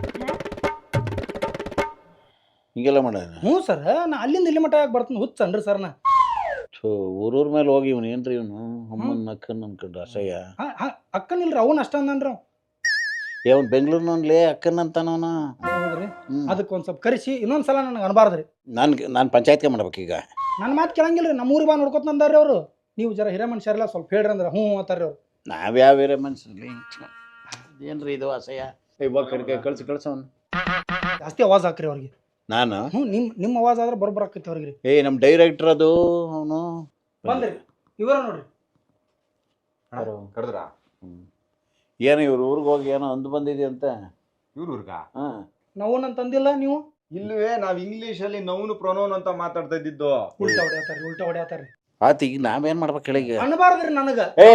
ಹಿಂಗೆಲ್ಲ ಮಾಡೋಣ. ಹ್ಞೂ ಸರ್, ನಾ ಅಲ್ಲಿಂದ ಇಲ್ಲಿ ಮಟ್ಟ ಯಾಕೆ ಬರ್ತೀನಿ ಹುಚ್ಚನ್ರಿ ಸರ್ ನಾ. ಸೊ ಊರೂರ್ ಮೇಲೆ ಹೋಗಿ ಇವನು ಏನ್ರಿ ಇವನು ಅಮ್ಮನ ಅಕ್ಕನ ಅನ್ಕೊಂಡು ಅಸಹ್ಯ. ಅಕ್ಕನ ಇಲ್ರಿ, ಅವನ್ ಅಷ್ಟ ಅಂದನ್ರಿ. ಅವ್ನು ಬೆಂಗಳೂರಿನಲ್ಲಿ ಅಕ್ಕನ ಅಂತಾನವನ. ಹೌದ್ರಿ, ಅದಕ್ಕೆ ಒಂದ್ ಸ್ವಲ್ಪ ಕರೆಸಿ ಇನ್ನೊಂದ್ಸಲ ನನಗೆ ಅನ್ಬಾರ್ದ್ರಿ. ನಾನು ಪಂಚಾಯತ್ಗೆ ಮಾಡ್ಬೇಕೀಗ. ನನ್ನ ಮಾತು ಕೇಳಂಗಿಲ್ರಿ. ನಮ್ಮೂರಿಗೆ ಬಾ ನೋಡ್ಕೊತ ಅಂದಾರ್ರಿ ಅವರು. ನೀವು ಜರ ಹಿರೇ ಮನುಷ್ಯರೆಲ್ಲ ಸ್ವಲ್ಪ ಹೇಳ್ರಿ ಅಂದ್ರೆ ಹ್ಞೂ ಅಂತಾರ್ರಿ ಅವ್ರು. ನಾವ್ಯಾವ ಬೇರೆ ಮನ್ಸಲ್ಲಿ ಏನ್ರಿ ಇದು ಅಸಹ್ಯ. ಇವಾಗ ಕಳ್ಸವನು ಜಾಸ್ತಿ ಅವಾಜ್ ಹಾಕ್ರಿ ಅವ್ರಿಗೆ. ನಾನು ಹ್ಞೂ ನಿಮ್ಮ ಅವಾಜ್ ಆದ್ರೆ ಬರೋಬ್ಬರ ಆಕೈತಿ ಅವ್ರಿಗೆ. ನಮ್ಮ ಡೈರೆಕ್ಟರ್ ಅದು ಅವನು ಬಂದ್ರಿ ಇವರ ನೋಡ್ರಿ. ಕರೆದ್ರಾ? ಏನೋ ಇವ್ರ ಊರಿಗೆ ಹೋಗಿ ಏನೋ ಅಂದು ಬಂದಿದೆ ಅಂತ. ಇವ್ರ ಊರ್ಗ? ನಾವು ನನ್ನ ತಂದಿಲ್ಲ ನೀವು. ಇಲ್ವೇ, ನಾವ್ ಇಂಗ್ಲಿಷ್ ಅಲ್ಲಿ ನೌನು ಪ್ರೊನೌನ್ ಅಂತ ಮಾತಾಡ್ತಾ ಇದ್ದಿದ್ದು. ಉಲ್ಟಾ ಹೊಡ್ಯಾತಾರ್ರಿ. ಆತ ಈಗ ನಾವೇನ್ ಮಾಡ್ಬೇಕು ಹೇಳಿ. ಅನ್ಬಾರ್ದ್ರಿ ನನಗ.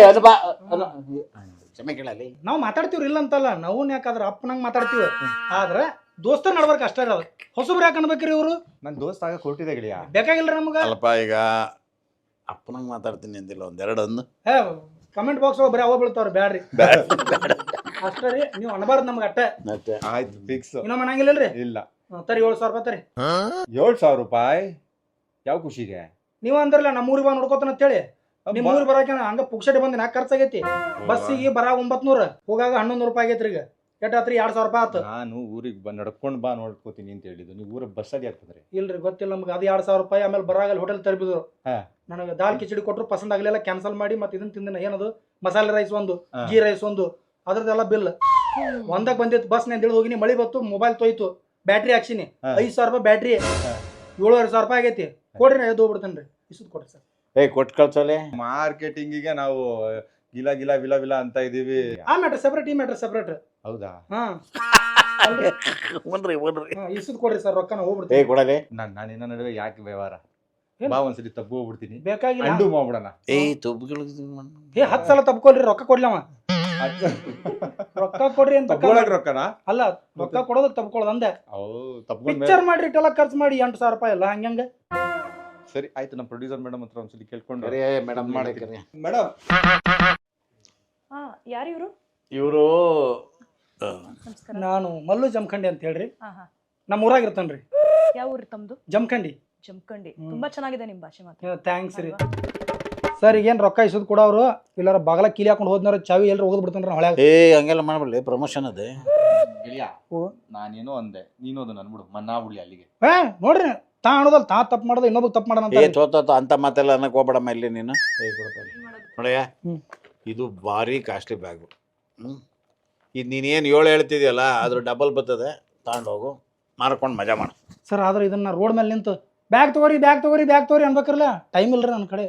ಕ್ಷಮೆ ಕೇಳಲಿ. ನಾವು ಮಾತಾಡ್ತೀವ್ರಿ ಇಲ್ಲ ಅಂತಲ್ಲ. ನಾವು ಯಾಕಾದ್ರ ಅಪ್ಪನಂಗ್ ಮಾತಾಡ್ತೀವಿ. ಆದ್ರ ದೋಸ್ತರ ನಡ್ಬರ್ಕ ಅಷ್ಟೇ ಅದು. ಹೊಸಬ್ರು ಯಾಕೆ ಅನ್ಬೇಕ್ರಿ ಇವ್ರು? ನನ್ ದೋಸ್ತ ಆಗ ಕೊಟ್ಟಿದೆ ಗೆಳೆಯ. ಬೇಕಾಗಿಲ್ರಿ ನಮ್ಗ. ಅಲ್ಪ ಈಗ ಅಪ್ಪನಂಗ್ ಮಾತಾಡ್ತೀನಿ ಅಂದಿಲ್ಲ ಒಂದೆರಡು ಅಂದು. ಕಮೆಂಟ್ ಬಾಕ್ಸ್ ಬರೀ ಅವ ಬೀಳ್ತಾವ್ರಿ. ಬ್ಯಾಡ್ರಿ ಅಷ್ಟೇ ರೀ. ನೀವು ಅನ್ಬಾರ್ದು ನಮ್ಗೆ ಅಟ್ಟೆ. ಆಯ್ತು ಫಿಕ್ಸ್. ಇನ್ನೊಮ್ಮೆ ಅನ್ನಂಗಿಲ್ಲಲ್ರಿ? ಇಲ್ಲ. ತರಿ 7,000 ರೂಪಾಯಿ ತರಿ. 7,000 ರೂಪಾಯಿ? ಯಾವ ಖುಷಿಗೆ? ನೀವ್ ಅಂದ್ರಲ್ಲ ನಮ್ಮೂರಿಗೆ ಬಾ ನೋಡ್ಕೋತಾನ ಅಂತೇಳಿ. ನಿಮ್ ಊರಿಗೆ ಬರಾಕ ಹಂಗ ಪುಕ್ಷಟೆ ಬಂದಿ ನಾಲ್ಕು ಖರ್ಚಾಗೈತಿ. ಬಸ್ಸಿಗೆ ಬರ 900, ಹೋಗಾಗ 1100 ರೂಪಾಯಿ ಆಗೈತ್ರಿ. ಈಗ ಎಷ್ಟಾತ್ರಿ? 2,000 ರೂಪಾಯಿ ಆತು. ನಾನು ಊರಿಗೆ ನಡ್ಕೊಂಡ್ ಬಾ ನೋಡ್ಕೋತೀನಿ ಅಂತ ಹೇಳಿದ್ದು. ನೀವು ಊರಿಗೆ ಬಸ್ಸಲ್ಲಿ ಆಗ್ತದ್ರಿ? ಇಲ್ರಿ, ಗೊತ್ತಿಲ್ಲ ನಮ್ಗೆ. ಅದು 2,000 ರೂಪಾಯಿ. ಆಮೇಲೆ ಬರಾಗಲ್ಲಿ ಹೋಟೆಲ್ ತರಬಿದ್ರು. ನನಗೆ ದಾಲ್ ಕಿಚಡಿ ಕೊಟ್ಟರು, ಪಸಂದ್ ಆಗ್ಲಿಲ್ಲ, ಕ್ಯಾನ್ಸಲ್ ಮಾಡಿ ಮತ್ತೆ ಇದನ್ನ ತಿಂದಿನ. ಏನದು ಮಸಾಲೆ ರೈಸ್ ಒಂದು, ಗೀ ರೈಸ್ ಒಂದು, ಅದ್ರದ್ದೆಲ್ಲ ಬಿಲ್ ಒಂದಾಗ ಬಂದಿತ್ತು. ಬಸ್ ನಾನು ಇಳಿದು ಹೋಗಿನಿ, ಮಳಿ ಬತ್ತು, ಮೊಬೈಲ್ ತೊಯ್ತು, ಬ್ಯಾಟ್ರಿ ಹಾಕ್ಸಿನಿ. 5,000 ರೂಪಾಯಿ ಬ್ಯಾಟ್ರಿ, 7,500 ರೂಪಾಯಿ ಆಗೈತಿ. ಕೊಡ್ರಿ, ನಾ ಎದ್ದು ಹೋಗ್ಬಿಡ್ತೇನೆ ರೀ. ಇಷ್ಟು ಕೊಡ್ರಿ ಸರ್. ಕೊಟ್ಟು ಕಳ್ಸೋಲೆ. ಮಾರ್ಕೆಟಿಂಗಿಗೆ ನಾವು ಗಿಲ ಗಿಲ ವಿಲ ವಿಲ ಅಂತ ಇದೀವಿ. ಆ ಮ್ಯಾಟ್ರ್ ಸೆಪರೇಟ್, ಈ ಮ್ಯಾಟ್ರ್ ಸೆಪರೇಟ್. ಹೌದಾ? ಇಷ್ಟು ಕೊಡ್ರಿ ಸರ್, ರೊಕ್ಕ ನಾವು ಹೋಗ್ಬಿಡ್ತೀವಿ. ಕೊಡಲೆ. ನಾನು ಇನ್ನ ನಡುವೆ ಯಾಕೆ ವ್ಯವಹಾರ? ಬಾ ಒಂದ್ಸಲಿ ತಪ್ಪು ಹೋಗ್ಬಿಡ್ತೀನಿ. ಬೇಕಾಗಿಲ್ಲ, ಅಂಡು ಮಾಡ್ಬಿಡೋಣ. 10 ಸಲ ತಪ್ಕೊಳ್ರಿ, ರೊಕ್ಕ ಕೊಡ್ಲವ. ರೊಕ್ಕ ಕೊಡ್ರಿ ಅಂತ ರೊಕ್ಕನ ಅಲ್ಲ, ರೊಕ್ಕ ಕೊಡೋದಕ್ಕೆ ತಪ್ಕೊಳ್ಳೋದು ಅಂದೆ. ಪಿಕ್ಚರ್ ಮಾಡ್ರಿ, ಇಟ್ಟೆಲ್ಲ ಖರ್ಚು ಮಾಡಿ 8,000 ರೂಪಾಯಿ ಎಲ್ಲ ಹಂಗ. ಸರಿ ಆಯ್ತು, ನಮ್ಮ ಪ್ರೊಡ್ಯೂಸರ್ ಮೇಡಮ್ ಹತ್ರ ಒಂದ್ಸಲಿ ಕೇಳ್ಕೊಂಡು. Madam madam. ಯಾರು ಇವರು? ಇವರು ನಾನು ಮಲ್ಲು ಜಮಖಂಡಿ ಅಂತ ಹೇಳ್ರಿ. ನಮ್ಮ ಊರಾಗ ಇರ್ತಾನ್ರಿ. ಯಾವ ಊರು ತಮ್ದು? ಜಮಖಂಡಿ. ಜಮಖಂಡಿ. ತುಂಬಾ ಚೆನ್ನಾಗಿದೆ ನಿಮ್ ಭಾಷೆ ಮಾತ್ರ. ಥ್ಯಾಂಕ್ಸ್ ರೀ ಸರ್. ಈಗೇನು ರೊಕ್ಕ ಇಸೋದು ಕೊಡೋರು ಇಲ್ಲಾರ ಬಾಗಲ ಕೀಲಿ ಹಾಕೊಂಡು ಹೋದ್ನಾರ ಚಾವಿ ಎಲ್ಲರೂ ಹೋದ್ ಬಿಡ್ತಾನ್ರಿ ಹೊಳ್ಯಾಗ. ಹಂಗೆಲ್ಲ ಮಾಡ್ಬಿಡ್ಲಿ, ಪ್ರಮೋಷನ್ ಅದೇ. ನಾನೇನೋ ಅಂದೆ, ನೀನು ಅದು ನನ್ಬಿಡು ಮನ್ನಾ ಬಿಡ್ಲಿ ಅಲ್ಲಿಗೆ. ನೋಡ್ರಿ, ತಾ ಅನ್ನೋದಲ್ಲ, ತಾ ತಪ್ಪು ಮಾಡೋದು ಇನ್ನೊಬ್ಬ ತಪ್ಪು ಮಾಡೋಣ ಅಂತ ಮಾತೆಲ್ಲ ಅನ್ನಕ್ ಹೋಗ್ಬೇಡಮ್ಮ ಇಲ್ಲಿ ನೀನು. ನೋಡಯ್ಯ, ಇದು ಭಾರಿ ಕಾಸ್ಟ್ಲಿ ಬ್ಯಾಗು. ಇದು ನೀನೇನು 7 ಹೇಳ್ತಿದ್ಯಲ್ಲ, ಅದ್ರ ಡಬಲ್ ಬರ್ತದೆ. ತಗೊಂಡೋಗು, ಮಾರ್ಕೊಂಡು ಮಜಾ ಮಾಡು. ಸರ್. ಆದ್ರೆ ಇದನ್ನ ರೋಡ್ ಮೇಲೆ ನಿಂತು ಬ್ಯಾಗ್ ತಗೋರಿ ಅನ್ಬೇಕ್ರಲ್ಲ, ಟೈಮ್ ಇಲ್ರಿ ನನ್ನ ಕಡೆ.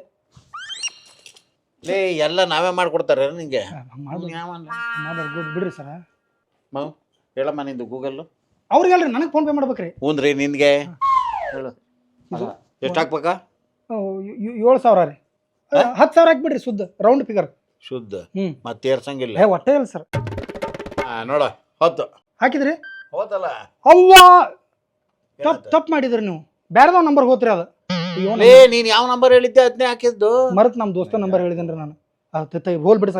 ಎಲ್ಲ ನಾವೇ ಮಾಡ್ಕೊಡ್ತಾರೆ ನಿಂಗೆ. ಬಿಡ್ರಿ ಸರ್. ಹೇಳಮ್ಮ ನಿಂದು ಗೂಗಲ್. ಅವ್ರಿಗೆ ಹೇಳ್ರಿ, ನನಗೆ ಫೋನ್ ಪೇ ಮಾಡ್ಬೇಕ್ರಿ. ಹ್ಞೂನ್ರಿ, ನಿನ್ಗೆ ಹೇಳು. ಎಷ್ಟು ಹಾಕ್ಬೇಕಾ? 7,000 ರೀ. 10,000 ಹಾಕ್ಬಿಡ್ರಿ, ಶುದ್ಧ ರೌಂಡ್ ಫಿಗರ್. ಶುದ್ಧ ಮತ್ತೆ ಏರ್ಸಂಗಿಲ್ಲ. ಒಟ್ಟೆ ಇಲ್ಲ ಸರ್. ನೋಡ 10 ಹಾಕಿದ್ರಿ. ಹೋತಲ್ಲ. ಅವ್ವಾ, ತಪ್ಪು ಮಾಡಿದ್ರಿ ನೀವು. ಬೇರೆದವ್ ನಂಬರ್ ಹೋತ್ರಿ ಅದು. ನೀನ್ ಯಾವ ನಂಬರ್ ಹೇಳಿದ್ದೆ ಅದನ್ನೇ ಹಾಕಿದ್ದು. ಮರತ್ ನಮ್ ದೋಸ್ತ ನಂಬರ್ ಹೇಳಿದೇನ್ರಿ ನಾನು. ಹೋಲ್ ಬಿಡಿ ಸರ್.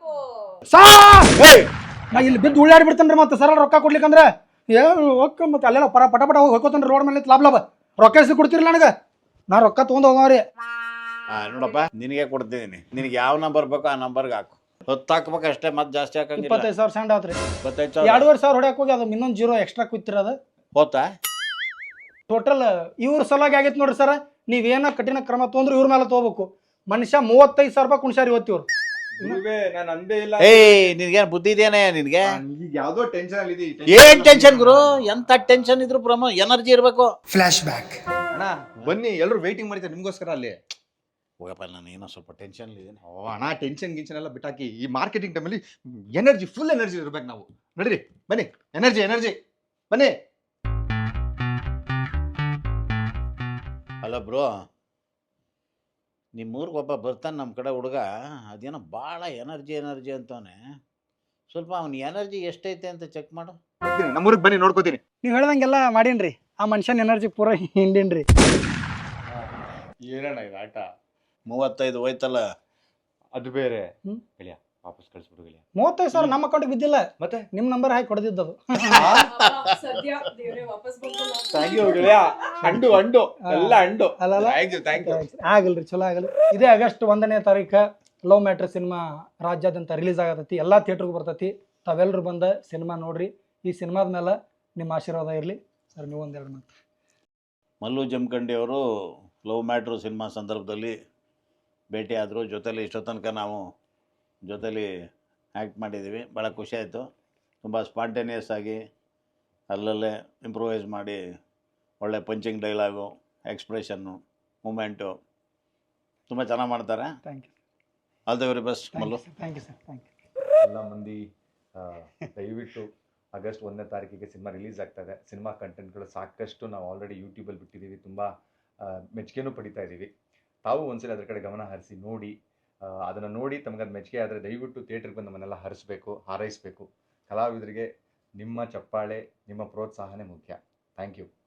ನಾ ಇಲ್ಲಿ ಬಿದ್ದು ಉಳ್ಳಾಡಿ ಬಿಡ್ತೇನ್ರಿ. ಮತ್ತೆ ಸರಳ ರೊಕ್ಕ ಕೊಡ್ಲಿಕ್ಕಂದ್ರೆ ಮತ್ತೆ ಅಲ್ಲೆಲ್ಲ ಪಟ ಪಟ ಹೋಗಿ ಹೋಗ್ಕೋತೇನ್ರಿ ರೋಡ್ ಮೇಲೆ. ಲಾಭ ರೊಕ್ಕ ಎಸಿ ಕೊಡ್ತಿರಲ್ಲ ನನಗೆ. ನಾ ರೊಕ್ಕ ತೊಗೊಂಡ್ ಹೋಗವ್ರಿ. ನೋಡಪ್ಪ, ನಿನಗೆ ಕೊಡ್ತಿದ್ದೀನಿ. ನಿನಗೆ ಯಾವ ನಂಬರ್ ಬೇಕೋ ಆ ನಂಬರ್ಗೆ ಹಾಕು. 10 ಹಾಕ್ಬೇಕು ಅಷ್ಟೇ, ಮತ್ತೆ ಜಾಸ್ತಿ ಹಾಕಂಗಿಲ್ಲ. 25,000 ಸೆಂಡ್ ಆತ್ರಿ. 25,000. 2,500 ಹೊಡ್ಯಾಕ ಹೋಗಿ ಅದು ಇನ್ನೊಂದು 0 ಎಕ್ಸ್ಟ್ರಾ ಕೂತಿರೋದು ಹೋತಾ. ಟೋಟಲ್ ಇವ್ರ ಸಲುವಾಗಿ ಆಗೈತೆ ನೋಡ್ರಿ ಸರ್. ನೀವೇನ ಕಠಿಣ ಕ್ರಮ ತೊಂದ್ರೆ ಇವ್ರ ಮೇಲೆ ತಗೋಬೇಕು. ಮನುಷ್ಯ 35,000 ರೂಪಾಯಿ ಕುಣಿಸಾರಿ ಇವತ್ತಿವ್ರು. ನಾನು ಅಂದೇ ಇಲ್ಲ. ನಿನ್ಗೇನು ಬುದ್ಧಿ ಇದೆಯೇ ನಿನ್ಗೆ? ಯಾವ್ದೋ ಟೆನ್ಷನ್ ಅಲ್ಲಿ. ಏನ್ ಟೆನ್ಷನ್ ಗುರು? ಎಂತ ಟೆನ್ಷನ್ ಇದ್ರು ಎನರ್ಜಿ ಇರ್ಬೇಕು. Flashback. ಅಣ್ಣ ಬನ್ನಿ, ಎಲ್ಲರೂ ವೇಟಿಂಗ್ ಮಾಡಿದ್ದಾರೆ ನಿಮ್ಗೋಸ್ಕರ ಅಲ್ಲಿ. ಹೋಗಪ್ಪ, ನಾನು ಏನೋ ಸ್ವಲ್ಪ ಟೆನ್ಷನ್ ಇದ್ದೀನಿ. ಅಣ್ಣ, ಟೆನ್ಷನ್ ಗಿನ್ಷನ್ ಎಲ್ಲ ಬಿಟ್ಟಾಕಿ. ಈ ಮಾರ್ಕೆಟಿಂಗ್ ಟೈಮಲ್ಲಿ ಎನರ್ಜಿ, ಫುಲ್ ಎನರ್ಜಿ ಇರ್ಬೇಕು ನಾವು. ನಡ್ರಿ ಬನ್ನಿ, ಎನರ್ಜಿ ಬನ್ನಿ. ಅಲ್ಲ ಬ್ರೋ, ನಿಮ್ಮೂರಿಗೆ ಒಬ್ಬ ಬರ್ತಾನೆ ನಮ್ಮ ಕಡೆ ಹುಡುಗ. ಅದೇನೋ ಭಾಳ ಎನರ್ಜಿ ಅಂತವನೆ. ಸ್ವಲ್ಪ ಅವನ ಎನರ್ಜಿ ಎಷ್ಟೈತೆ ಅಂತ ಚೆಕ್ ಮಾಡು. ನಮ್ಮೂರಿಗೆ ಬನ್ನಿ, ನೋಡ್ಕೋತೀನಿ. ನೀವು ಹೇಳ್ದಂಗೆಲ್ಲ ಮಾಡೀನ್ರಿ. ಆ ಮನುಷ್ಯನ ಎನರ್ಜಿ ಪೂರ ಹಿಂಡಿನ್ರಿ. ಏನಣ್ಣ ಇದು ಆಟ? 35 ಹೋಯ್ತಲ್ಲ. ಅದು ಬೇರೆ ಹ್ಮ್. ಗೆಳೆಯ ವಾಪಸ್ ಕಳಿಸ್ಬಿಡು ಗೆಳೆಯ. 35,000 ನಮ್ಮ ಅಕೌಂಟಿಗೆ ಬಿದ್ದಿಲ್ಲ, ಮತ್ತೆ ನಿಮ್ಮ ನಂಬರ್ ಹಾಕಿ ಹೊಡೆದಿದ್ದದು. ಸದ್ಯ ದೇವ್ರೆ ವಾಪಸ್ ಬಂತು. ಥ್ಯಾಂಕ್ ಯು ಗೆಳೆಯ. ಅಂಡು ಎಲ್ಲ ಅಂಡು. ಅಲ್ಲಲ್ಲ ಥ್ಯಾಂಕ್ ಯು. ಆಗಲ್ರಿ, ಚಲೋ ಆಗಲ್ಲ. ಇದೇ ಆಗಸ್ಟ್ 1ನೇ ತಾರೀಕು ಲವ್ ಮ್ಯಾಟ್ರ್ ಸಿನಿಮಾ ರಾಜ್ಯಾದ್ಯಂತ ರಿಲೀಸ್ ಆಗತೈತಿ, ಎಲ್ಲ ಥಿಯೇಟ್ರಿಗೂ ಬರ್ತೈತಿ. ತಾವೆಲ್ಲರೂ ಬಂದ ಸಿನಿಮಾ ನೋಡ್ರಿ. ಈ ಸಿನಿಮಾದ ಮೇಲೆ ನಿಮ್ಮ ಆಶೀರ್ವಾದ ಇರಲಿ ಸರ್. ನೀವು ಒಂದೆರಡು ಮಾತು. ಮಲ್ಲು ಜಮಖಂಡಿ ಅವರು ಲವ್ ಮ್ಯಾಟ್ರು ಸಿನಿಮಾ ಸಂದರ್ಭದಲ್ಲಿ ಭೇಟಿ ಆದರು. ಜೊತೆಲಿ ಇಷ್ಟೋ ತನಕ ನಾವು ಜೊತೆಲಿ ಆ್ಯಕ್ಟ್ ಮಾಡಿದ್ದೀವಿ. ಭಾಳ ಖುಷಿ ಆಯಿತು. ತುಂಬ ಸ್ಪಾಂಟೇನಿಯಸ್ ಆಗಿ ಅಲ್ಲಲ್ಲೇ ಇಂಪ್ರೂವೈಸ್ ಮಾಡಿ ಒಳ್ಳೆ ಪಂಚಿಂಗ್ ಡೈಲಾಗು, ಎಕ್ಸ್ಪ್ರೆಷನ್ನು, ಮೂಮೆಂಟು ತುಂಬ ಚೆನ್ನಾಗಿ ಮಾಡ್ತಾರೆ. Thank you, all the very best Mallu. Thank you sir, thank you. ಎಲ್ಲ ಮಂದಿ ದಯವಿಟ್ಟು ಆಗಸ್ಟ್ 1ನೇ ತಾರೀಕಿಗೆ ಸಿನಿಮಾ ರಿಲೀಸ್ ಆಗ್ತಾ ಇದೆ. ಸಿನಿಮಾ ಕಂಟೆಂಟ್ಗಳು ಸಾಕಷ್ಟು ನಾವು ಆಲ್ರೆಡಿ ಯೂಟ್ಯೂಬಲ್ಲಿ ಬಿಟ್ಟಿದ್ದೀವಿ. ತುಂಬ ಮೆಚ್ಚುಗೆನೂ ಪಡಿತಾ ಇದ್ದೀವಿ. ತಾವು ಒಂದ್ಸಲ ಅದ್ರ ಕಡೆ ಗಮನ ಹರಿಸಿ ನೋಡಿ. ಅದನ್ನು ನೋಡಿ ತಮಗದು ಮೆಚ್ಚುಗೆ ಆದರೆ ದಯವಿಟ್ಟು ಥಿಯೇಟ್ರಿಗೆ ಬಂದು ನಮ್ಮನ್ನೆಲ್ಲ ಹಾರೈಸಬೇಕು. ಕಲಾವಿದರಿಗೆ ನಿಮ್ಮ ಚಪ್ಪಾಳೆ, ನಿಮ್ಮ ಪ್ರೋತ್ಸಾಹನೇ ಮುಖ್ಯ. Thank you.